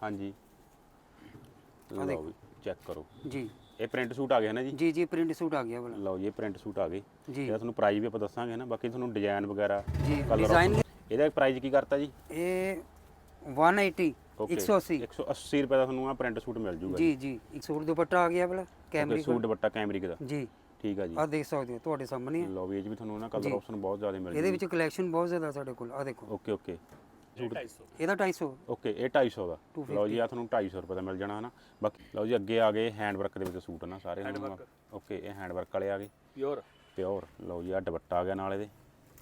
हाँ जी लो भी चेक करो जी ये प्रिंट सूट आ गया ना जी जी जी प्रिंट सूट आ गया वाला लो ये प्रिंट सूट आ गए जी ਇਹਦਾ ਤੁਹਾਨੂੰ ਪ੍ਰਾਈਸ ਵੀ ਆਪਾਂ ਦੱਸਾਂਗੇ ਨਾ ਬਾਕੀ ਤੁਹਾਨੂੰ ਡਿਜ਼ਾਈਨ ਵਗੈਰਾ ਜੀ ਕਲਰ ਡਿਜ਼ਾਈਨ ਇਹਦਾ ਪ੍ਰਾਈਸ ਕੀ ਕਰਤਾ ਜੀ ਇਹ 180 ਓਕੇ 180 180 ਰੁਪਏ ਦਾ ਤੁਹਾਨੂੰ ਆ ਪ੍ਰਿੰਟ ਸੂਟ ਮਿਲ ਜੂਗਾ ਜੀ ਜੀ ਇੱਕ ਸੂਟ ਦੁਪੱਟਾ ਆ ਗਿਆ ਵਾਲਾ okay cambric suit dupatta cambric ਦਾ ਜੀ ਠੀਕ ਆ ਜੀ ਆ ਦੇਖ ਸਕਦੇ ਹੋ ਤੁਹਾਡੇ ਸਾਹਮਣੇ ਹੈ। ਲਓ ਵੀ ਇਹ 'ਚ ਵੀ ਤੁਹਾਨੂੰ ਨਾ ਕਲਰ ਆਪਸ਼ਨ ਬਹੁਤ ਜ਼ਿਆਦਾ ਮਿਲ ਇਹਦੇ ਜੂਗੇ ਵਿੱਚ ਕਲੈਕਸ਼ਨ ਬਹੁਤ ਜ਼ਿਆਦਾ ਸਾਡੇ ਕੋਲ ਆ ਦੇਖੋ ਓਕੇ ਓਕੇ ਸੂਟ ਇਹਦਾ 250 ਓਕੇ ਇਹ 250 ਦਾ ਲਓ ਜੀ ਆ ਤੁਹਾਨੂੰ 250 ਰੁਪਏ ਦਾ ਮਿਲ ਜਾਣਾ ਹਨਾ ਬਾਕੀ ਲਓ ਜੀ ਅੱਗੇ ਆ ਗਏ ਹੈਂਡ ਵਰਕ ਦੇ ਵਿੱਚ ਸੂਟ ਨਾ ਸਾਰੇ ਓਕੇ ਇਹ ਹੈਂਡ ਵਰਕ ਵਾਲੇ ਆ ਗਏ ਪਿਓਰ ਲਓ ਜੀ ਆ ਦੁਪੱਟਾ ਆ ਗਿਆ ਨਾਲ ਇਹਦੇ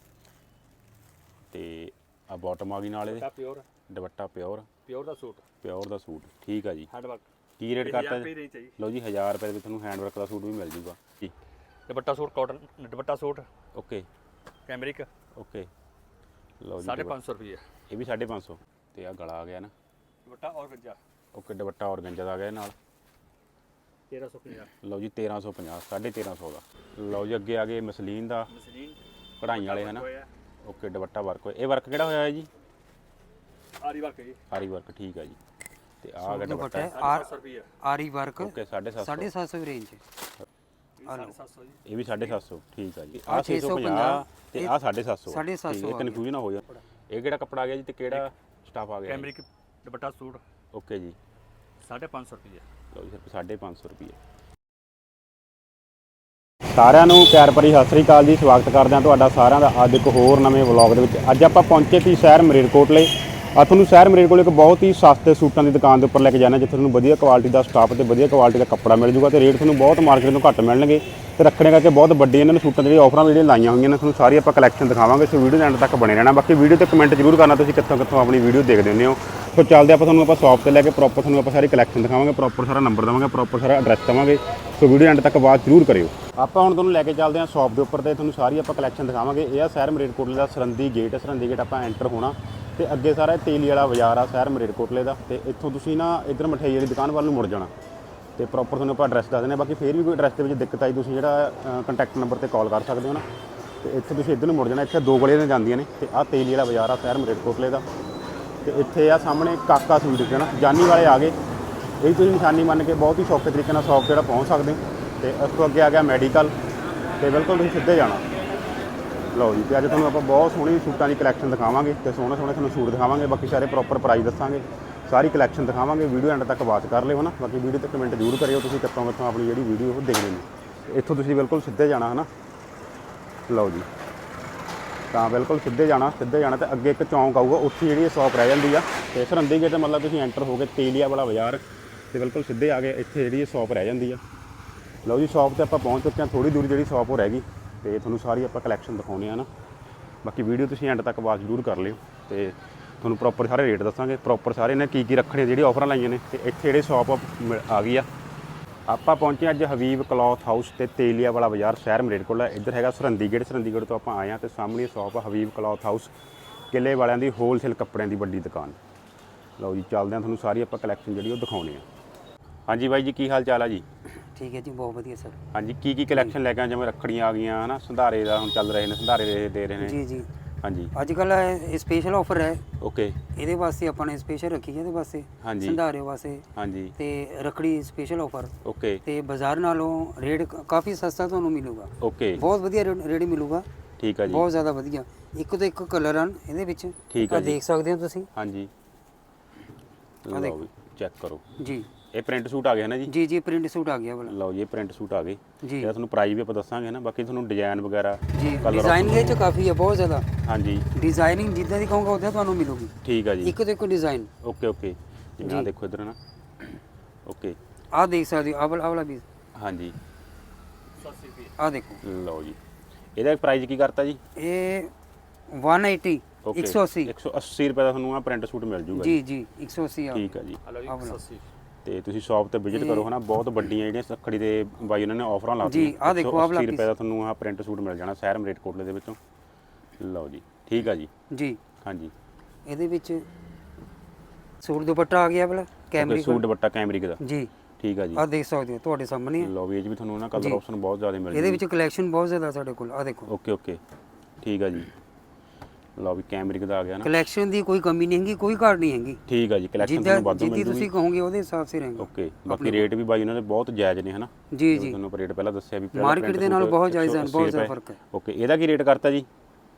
ਤੇ ਆ ਬਾਟਮ ਆ ਗਈ ਨਾਲ ਇਹਦੇ ਦੁਪੱਟਾ ਪਿਓਰ ਦਾ ਸੂਟ ਠੀਕ ਆ ਜੀ ਕੀ ਰੇਟ ਕਰਤਾ ਜੀ ਲਓ ਜੀ 1000 ਰੁਪਏ ਦੇ ਵਿੱਚ ਤੁਹਾਨੂੰ ਹੈਂਡ ਵਰਕ ਦਾ ਸੂਟ ਵੀ ਮਿਲ ਜੂਗਾ ਜੀ dupatta suit cotton dupatta suit okay cambric okay ਲਓ ਜੀ 550 रुपये ਇਹ ਵੀ 550 ਤੇ ਆ ਗਲਾ ਆ ਗਿਆ ਨਾ दुपट्टा और गंजा ਓਕੇ ਦੁਪੱਟਾ ਔਰਗੰਜਾ ਦਾ ਆ ਗਿਆ ਇਹ ਨਾਲ 1350 ਲਓ ਜੀ 1350 1350 ਦਾ ਲਓ ਜੀ ਅੱਗੇ ਆ ਗਏ ਮਸਲੀਨ ਦਾ मसलिन ਕਢਾਈਆਂ ਵਾਲੇ ਹਨਾ ਓਕੇ ਦੁਪੱਟਾ ਵਰਕ ਹੋਇਆ ਇਹ ਵਰਕ ਕਿਹੜਾ ਹੋਇਆ ਹੈ ਜੀ आरी वर्क है जी ਆਰੀ ਵਰਕ ਠੀਕ ਆ ਜੀ ਤੇ ਆ ਗਿਆ ਦੁਪੱਟਾ 750 रुपये ਆਰੀ ਵਰਕ ਓਕੇ 750 750 ਰੇਂਜ 750 जी ਇਹ ਵੀ 750 ਠੀਕ ਆ ਜੀ ਆਹ ਆ 650 ਤੇ ਆ 750 750 ਇਹ ਕਨਫਿਊਜ਼ਨ ਨਾ ਹੋ ਜਾ ਇਹ ਕਿਹੜਾ ਕੱਪੜਾ ਆ ਗਿਆ ਜੀ ਤੇ ਕਿਹੜਾ ਸਟਾਫ ਆ ਗਿਆ कैमरिक दुपट्टा सूट ਓਕੇ ਜੀ 550 रुपये ਲਓ ਜੀ ਸਿਰਫ 550 ਰੁਪਏ ਸਾਰਿਆਂ ਨੂੰ ਪਿਆਰ ਭਰੀ ਸਤਿ ਸ੍ਰੀ ਅਕਾਲ ਜੀ ਸਵਾਗਤ ਕਰਦੇ ਹਾਂ ਤੁਹਾਡਾ ਸਾਰਿਆਂ ਦਾ ਅੱਜ ਇੱਕ ਹੋਰ ਨਵੇਂ ਵਲੌਗ ਦੇ ਵਿੱਚ ਅੱਜ ਆਪਾਂ ਪਹੁੰਚੇ ਸੀ ਸ਼ਹਿਰ ਮਲੇਰਕੋਟਲੇ ਆ ਤੁਹਾਨੂੰ ਸ਼ਹਿਰ ਮਲੇਰਕੋਟਲੇ ਇੱਕ ਬਹੁਤ ਹੀ ਸਸਤੇ ਸੂਟਾਂ ਦੀ ਦੁਕਾਨ ਦੇ ਉੱਪਰ ਲੈ ਕੇ ਜਾਣਾ ਜਿੱਥੇ ਤੁਹਾਨੂੰ ਵਧੀਆ ਕੁਆਲਿਟੀ ਦਾ ਸਟਾਫ ਤੇ ਵਧੀਆ ਕੁਆਲਿਟੀ ਦਾ ਕੱਪੜਾ ਮਿਲ ਜੂਗਾ ਤੇ ਰੇਟ ਤੁਹਾਨੂੰ ਬਹੁਤ ਮਾਰਕੀਟ ਤੋਂ ਘੱਟ ਮਿਲਣਗੇ ਤੇ ਰੱਖਣੇ ਕਰਕੇ ਬਹੁਤ ਵੱਡੀ ਇਹਨਾਂ ਨੇ ਸੂਟਾਂ ਦੀ ਆਫਰਾਂ ਜਿਹੜੀਆਂ ਲਾਈਆਂ ਹੋਈਆਂ ਨੇ ਤੁਹਾਨੂੰ ਸਾਰੀ ਆਪਾਂ ਕਲੈਕਸ਼ਨ ਦਿਖਾਵਾਂਗੇ ਸੋ ਵੀਡੀਓ ਦੇ ਐਂਡ ਤੱਕ ਬਣੇ ਰਹਿਣਾ ਬਾਕੀ ਵੀਡੀਓ ਤੇ ਕਮੈਂਟ ਜ਼ਰੂਰ ਕਰਨਾ ਤੁਸੀਂ ਕਿੱਥੋਂ ਆਪਣੀ ਵੀਡੀਓ ਦੇਖਦੇ ਹੁੰਦੇ ਹੋ ਸੋ ਚੱਲਦੇ ਆਪਾਂ ਤੁਹਾਨੂੰ ਸ਼ਾਪ ਤੇ ਲੈ ਕੇ ਪ੍ਰੋਪਰ ਤੁਹਾਨੂੰ ਆਪਾਂ ਸਾਰੀ ਕਲੈਕਸ਼ਨ ਦਿਖਾਵਾਂਗੇ ਪ੍ਰੋਪਰ ਸਾਰਾ ਨੰਬਰ ਦੇਵਾਂਗੇ ਪ੍ਰੋਪਰ ਸਾਰਾ ਐਡਰੈਸ ਦੇਵਾਂਗੇ ਸੋ ਵੀਡੀਓ ਐਂਡ ਤੱਕ ਬਾਅਦ ਜ਼ਰੂਰ ਕਰਿਓ ਆਪਾਂ ਹੁਣ ਤੁਹਾਨੂੰ ਲੈ ਕੇ ਚੱਲਦੇ ਹਾਂ ਸ਼ਾਪ ਦੇ ਉੱਪਰ ਤੇ ਤੁਹਾਨੂੰ ਸਾਰੀ ਆਪਾਂ ਕਲੈਕਸ਼ਨ ਦਿਖਾਵਾਂਗੇ ਇਹ ਆ ਸ਼ਹਿਰ ਮਲੇਰਕੋਟਲੇ ਦਾ ਸਰਹੰਦੀ ਗੇਟ ਆਪਾਂ ਐਂਟਰ ਹੋਣਾ ਤੇ ਅੱਗੇ ਸਾਰਾ ਤੇਲੀ ਵਾਲਾ ਬਾਜ਼ਾਰ ਆ ਸ਼ਹਿਰ ਮਲੇਰਕੋਟਲੇ ਦਾ ਤੇ ਇੱਥੋਂ ਤੁਸੀਂ ਨਾ ਇੱਧਰ ਮਠਿਆਈ ਵਾਲੀ ਦੁਕਾਨ ਵੱਲ ਨੂੰ ਮੁੜ ਜਾਣਾ ਤੇ ਪ੍ਰੋਪਰ ਤੁਹਾਨੂੰ ਆਪਾਂ ਐਡਰੈਸ ਦੱਸ ਦਿੰਦੇ ਹਾਂ ਬਾਕੀ ਫੇਰ ਵੀ ਕੋਈ ਐਡਰੈਸ ਦੇ ਵਿੱਚ ਦਿੱਕਤ ਆਈ ਤੁਸੀਂ ਜਿਹੜਾ ਕੰਟੈਕਟ ਨੰਬਰ ਤੇ ਕਾਲ ਕਰ ਸਕਦੇ ਹੋ ਨਾ ਤੇ ਇੱਥੇ ਤੁਸੀਂ ਇੱਧਰ ਨੂੰ ਮੁੜ ਜਾਣਾ ਇੱਥੇ ਦੋ ਗਲੀਆਂ ਨੇ ਜਾਂਦੀਆਂ ਨੇ ਤੇ ਆਹ ਤੇਲੀ ਵਾਲਾ ਬਾਜ਼ਾਰ ਆ ਸ਼ਹਿਰ ਮਲੇਰਕੋਟਲੇ ਦਾ ਤੇ ਇੱਥੇ ਆ ਸਾਹਮਣੇ ਕਾਕਾ ਸਵੀਟ ਹੈ ਨਾ ਜਾਨੀ ਵਾਲੇ ਆ ਗਏ ਇਹ ਤੁਸੀਂ ਨਿਸ਼ਾਨੀ ਮੰਨ ਕੇ ਬਹੁਤ ਹੀ ਸੌਖੇ ਤਰੀਕੇ ਨਾਲ ਸ਼ੌਪ ਜਿਹੜਾ ਪਹੁੰਚ ਸਕਦੇ ਤੇ ਉਸ ਤੋਂ ਅੱਗੇ ਆ ਗਿਆ ਮੈਡੀਕਲ ਤੇ ਬਿਲਕੁਲ ਤੁਸੀਂ ਸਿੱਧੇ ਜਾਣਾ ਲਓ ਜੀ ਤੇ ਅੱਜ ਤੁਹਾਨੂੰ ਆਪਾਂ ਬਹੁਤ ਸੋਹਣੀ ਸੂਟਾਂ ਦੀ ਕਲੈਕਸ਼ਨ ਦਿਖਾਵਾਂਗੇ ਤੇ ਸੋਹਣੇ ਤੁਹਾਨੂੰ ਸੂਟ ਦਿਖਾਵਾਂਗੇ ਬਾਕੀ ਸਾਰੇ ਪ੍ਰੋਪਰ ਪ੍ਰਾਈਸ ਦੱਸਾਂਗੇ ਸਾਰੀ ਕਲੈਕਸ਼ਨ ਦਿਖਾਵਾਂਗੇ ਵੀਡੀਓ ਐਂਡ ਤੱਕ ਵਾਚ ਕਰ ਲਿਓ ਨਾ ਬਾਕੀ ਵੀਡੀਓ ਤੇ ਕਮੈਂਟ ਜ਼ਰੂਰ ਕਰਿਓ ਤੁਸੀਂ ਕਿੱਥੋਂ ਆਪਣੀ ਜਿਹੜੀ ਵੀਡੀਓ ਉਹ ਦੇਖਦੇ ਨੇ ਇੱਥੋਂ ਤੁਸੀਂ ਬਿਲਕੁਲ ਸਿੱਧੇ ਜਾਣਾ ਹੈ ਨਾ ਲਓ ਜੀ ਤਾਂ ਬਿਲਕੁਲ ਸਿੱਧੇ ਜਾਣਾ ਤੇ ਅੱਗੇ ਇੱਕ ਚੌਂਕ ਆਊਗਾ ਉੱਥੇ ਜਿਹੜੀ ਸ਼ਾਪ ਰਹਿ ਜਾਂਦੀ ਆ ਤੇ ਸਰਹੰਦੀ ਗੇਟ ਮਤਲਬ ਤੁਸੀਂ ਐਂਟਰ ਹੋ ਕੇ ਤੇਲੀਆ ਵਾਲਾ ਬਾਜ਼ਾਰ ਤੇ ਬਿਲਕੁਲ ਸਿੱਧੇ ਆ ਗਏ ਇੱਥੇ ਜਿਹੜੀ ਸ਼ਾਪ ਰਹਿ ਜਾਂਦੀ ਆ ਲਓ ਜੀ ਸ਼ਾਪ ਤੇ ਆਪਾਂ ਪਹੁੰਚ ਚੁੱਕੇ ਹਾਂ ਥੋੜੀ ਦੂਰ ਜਿਹੜੀ ਸ਼ਾਪ ਉਹ ਰਹਿ ਗਈ ਤੇ ਤੁਹਾਨੂੰ ਸਾਰੀ ਆਪਾਂ ਕਲੈਕਸ਼ਨ ਦਿਖਾਉਂਦੇ ਆ ਨਾ ਬਾਕੀ ਵੀਡੀਓ ਤੁਸੀਂ ਐਂਡ ਤੱਕ ਵਾਚ ਜ਼ਰੂਰ ਕਰ ਲਿਓ ਤੇ ਤੁਹਾਨੂੰ ਪ੍ਰੋਪਰ ਸਾਰੇ ਰੇਟ ਦੱਸਾਂਗੇ ਪ੍ਰੋਪਰ ਸਾਰੇ ਨੇ ਕੀ ਰੱਖਣੇ ਜਿਹੜੀ ਆਫਰਾਂ ਲਾਈਆਂ ਨੇ ਤੇ ਇੱਥੇ ਜਿਹੜੇ ਸ਼ਾਪ ਆ ਗਈ ਆ ਆਪਾਂ ਪਹੁੰਚੇ ਅੱਜ ਹਬੀਬ ਕਲੌਥ ਹਾਊਸ ਤੇ ਤੇਲੀਆ ਵਾਲਾ ਬਾਜ਼ਾਰ ਸ਼ਹਿਰ ਮਲੇਰਕੋਟਲਾ ਇੱਧਰ ਹੈਗਾ ਸਰਹੰਦੀ ਗੇਟ ਤੋਂ ਆਪਾਂ ਆਏ ਹਾਂ ਤੇ ਸਾਹਮਣੇ ਸ਼ਾਪ ਆ ਹਬੀਬ ਕਲੌਥ ਹਾਊਸ ਕਿਲੇ ਵਾਲਿਆਂ ਦੀ ਹੋਲਸੇਲ ਕੱਪੜਿਆਂ ਦੀ ਵੱਡੀ ਦੁਕਾਨ ਲਓ ਜੀ ਚੱਲਦੇ ਹਾਂ ਤੁਹਾਨੂੰ ਸਾਰੀ ਆਪਾਂ ਕਲੈਕਸ਼ਨ ਜਿਹੜੀ ਉਹ ਦਿਖਾਉਣੇ ਆ ਹਾਂਜੀ ਬਾਈ ਜੀ ਕੀ ਹਾਲ ਚਾਲ ਆ ਜੀ ਠੀਕ ਹੈ ਜੀ ਬਹੁਤ ਵਧੀਆ ਸਰ ਹਾਂਜੀ ਕੀ ਕਲੈਕਸ਼ਨ ਲੈ ਕੇ ਆਏ ਜਿਵੇਂ ਰੱਖੜੀਆਂ ਆ ਗਈਆਂ ਹਨਾ ਸੰਧਾਰੇ ਦਾ ਹੁਣ ਚੱਲ ਰਹੇ ਨੇ ਸੰਧਾਰੇ ਦੇ ਰਹੇ ਨੇ ਜੀ ਜੀ ਹਾਂਜੀ ਅੱਜ ਕੱਲ ਸਪੈਸ਼ਲ ਆਫਰ ਹੈ ਓਕੇ ਇਹਦੇ ਵਾਸਤੇ ਆਪਾਂ ਨੇ ਸਪੈਸ਼ਲ ਰੱਖੀ ਹੈ ਇਹਦੇ ਵਾਸਤੇ ਹਾਂਜੀ ਸੰਧਾਰੇ ਵਾਸਤੇ ਹਾਂਜੀ ਤੇ ਰੱਖੜੀ ਸਪੈਸ਼ਲ ਆਫਰ ਓਕੇ ਤੇ ਬਾਜ਼ਾਰ ਨਾਲੋਂ ਰੇਟ ਕਾਫੀ ਸਸਤਾ ਤੁਹਾਨੂੰ ਮਿਲੂਗਾ ਓਕੇ ਬਹੁਤ ਵਧੀਆ ਰੇਟ ਮਿਲੂਗਾ ਠੀਕ ਆ ਜੀ ਬਹੁਤ ਜ਼ਿਆਦਾ ਵਧੀਆ ਇੱਕ ਤੋਂ ਇੱਕ ਕਲਰ ਹਨ ਇਹਦੇ ਵਿੱਚ ਠੀਕ ਆ ਜੀ ਦੇਖ ਸਕਦੇ ਹੋ ਤੁਸੀਂ ਹਾਂਜੀ ਲਓ ਵੀ ਚੈੱਕ ਕਰੋ ਜੀ ਇਹ ਪ੍ਰਿੰਟ ਸੂਟ ਆ ਗਿਆ ਨਾ ਜੀ ਜੀ ਪ੍ਰਿੰਟ ਸੂਟ ਆ ਗਿਆ ਵਾਲਾ ਲਓ ਜੀ ਇਹ ਪ੍ਰਿੰਟ ਸੂਟ ਆ ਗਏ ਜੀ ਇਹਦਾ ਤੁਹਾਨੂੰ ਪ੍ਰਾਈਸ ਵੀ ਆਪਾਂ ਦੱਸਾਂਗੇ ਨਾ ਬਾਕੀ ਤੁਹਾਨੂੰ ਡਿਜ਼ਾਈਨ ਵਗੈਰਾ ਜੀ ਡਿਜ਼ਾਈਨ ਦੇ ਵਿੱਚ ਕਾਫੀ ਹੈ ਬਹੁਤ ਜ਼ਿਆਦਾ ਹਾਂਜੀ ਡਿਜ਼ਾਈਨਿੰਗ ਜਿੱਦਾਂ ਦੀ ਕਹੋਗੇ ਉਦਾਂ ਤੁਹਾਨੂੰ ਮਿਲੂਗੀ ਠੀਕ ਆ ਜੀ ਇੱਕ ਤੋਂ ਇੱਕ ਡਿਜ਼ਾਈਨ ਓਕੇ ਜਿਵੇਂ ਆ ਦੇਖੋ ਇਧਰ ਨਾ ਓਕੇ ਆਹ ਦੇਖ ਸਕਦੇ ਹੋ ਆਹ ਵਾਲਾ ਵੀ ਹਾਂਜੀ 80 रुपये ਆਹ ਦੇਖੋ ਲਓ ਜੀ ਇਹਦਾ ਪ੍ਰਾਈਸ ਕੀ ਕਰਤਾ ਜੀ ਇਹ 180 180 180 ਰੁਪਏ ਦਾ ਤੁਹਾਨੂੰ ਆ ਪ੍ਰਿੰਟ ਸੂਟ ਮਿਲ ਜੂਗਾ ਜੀ 180 ਆ ਠੀਕ ਆ ਜੀ हेलो जी 180 ਤੇ ਤੁਸੀਂ ਸ਼ਾਪ ਤੇ ਵਿਜ਼ਿਟ ਕਰੋ ਹਨਾ ਬਹੁਤ ਵੱਡੀਆਂ ਜਿਹੜੀਆਂ ਰੱਖੜੀ ਦੇ ਬਾਈ ਉਹਨਾਂ ਨੇ ਆਫਰਾਂ ਲਾ ਜੀ ਆਹ ਦੇਖੋ ਆਹ 80 ਰੁਪਏ ਦਾ ਤੁਹਾਨੂੰ ਆ ਪ੍ਰਿੰਟ ਸੂਟ ਮਿਲ ਜਾਣਾ ਸ਼ਹਿਰ ਮਲੇਰਕੋਟਲੇ ਦੇ ਵਿੱਚੋਂ ਲਓ ਜੀ ਠੀਕ ਆ ਜੀ ਜੀ ਹਾਂਜੀ ਇਹਦੇ ਵਿੱਚ ਸੂਟ ਦੁਪੱਟਾ ਆ ਗਿਆ ਵਾਲਾ ਕੈਮਰਿਕ ਸੂਟ ਦੁਪੱਟਾ ਕੈਮਰਿਕ ਦਾ ਜੀ ਠੀਕ ਆ ਜੀ ਆਹ ਦੇਖ ਸਕਦੇ ਹੋ ਤੁਹਾਡੇ ਸਾਹਮਣੇ ਲਓ ਵੀ ਇਹ 'ਚ ਵੀ ਤੁਹਾਨੂੰ ਨਾ ਕਲਰ ਆਪਸ਼ਨ ਬਹੁਤ ਜ਼ਿਆਦਾ ਮਿਲ ਇਹਦੇ ਵਿੱਚ ਕਲੈਕਸ਼ਨ ਬਹੁਤ ਜ਼ਿਆਦਾ ਸਾਡੇ ਕੋਲ ਆਹ ਦੇਖੋ ਓਕੇ ਠੀਕ ਆ ਜੀ ਲਓ ਵੀ ਕੈਮਰਿਕ ਦਾ ਆ ਗਿਆ ਨਾ। ਕਲੈਕਸ਼ਨ ਦੀ ਕੋਈ ਕਮੀ ਨਹੀਂ ਹੈਗੀ, ਕੋਈ ਘਾਟ ਨਹੀਂ ਹੈਗੀ। ਠੀਕ ਆ ਜੀ, ਕਲੈਕਸ਼ਨ ਜਿੱਦਾਂ ਤੁਹਾਨੂੰ ਵਾਧੂ ਮਿਲ ਜਿੱਦੀ ਜੂਗੀ। ਤੁਸੀਂ ਕਹੋਗੇ ਉਹਦੇ ਹਿਸਾਬ ਸੇ ਰਹੇਗਾ। ਓਕੇ, ਬਾਕੀ ਰੇਟ ਵੀ ਬਾਈ ਉਹਨਾਂ ਦੇ ਬਹੁਤ ਜਾਇਜ਼ ਨੇ ਹਨਾ। ਜੀ ਜੀ, ਤੁਹਾਨੂੰ ਰੇਟ ਪਹਿਲਾਂ ਦੱਸਿਆ ਵੀ ਪਹਿਲਾਂ ਮਾਰਕੀਟ ਦੇ ਨਾਲ ਬਹੁਤ ਜਾਇਜ਼ ਹਨ, ਬਹੁਤ ਜ਼ਿਆਦਾ ਫਰਕ ਹੈ। ਓਕੇ, ਇਹਦਾ ਕੀ ਰੇਟ ਕਰਤਾ ਜੀ?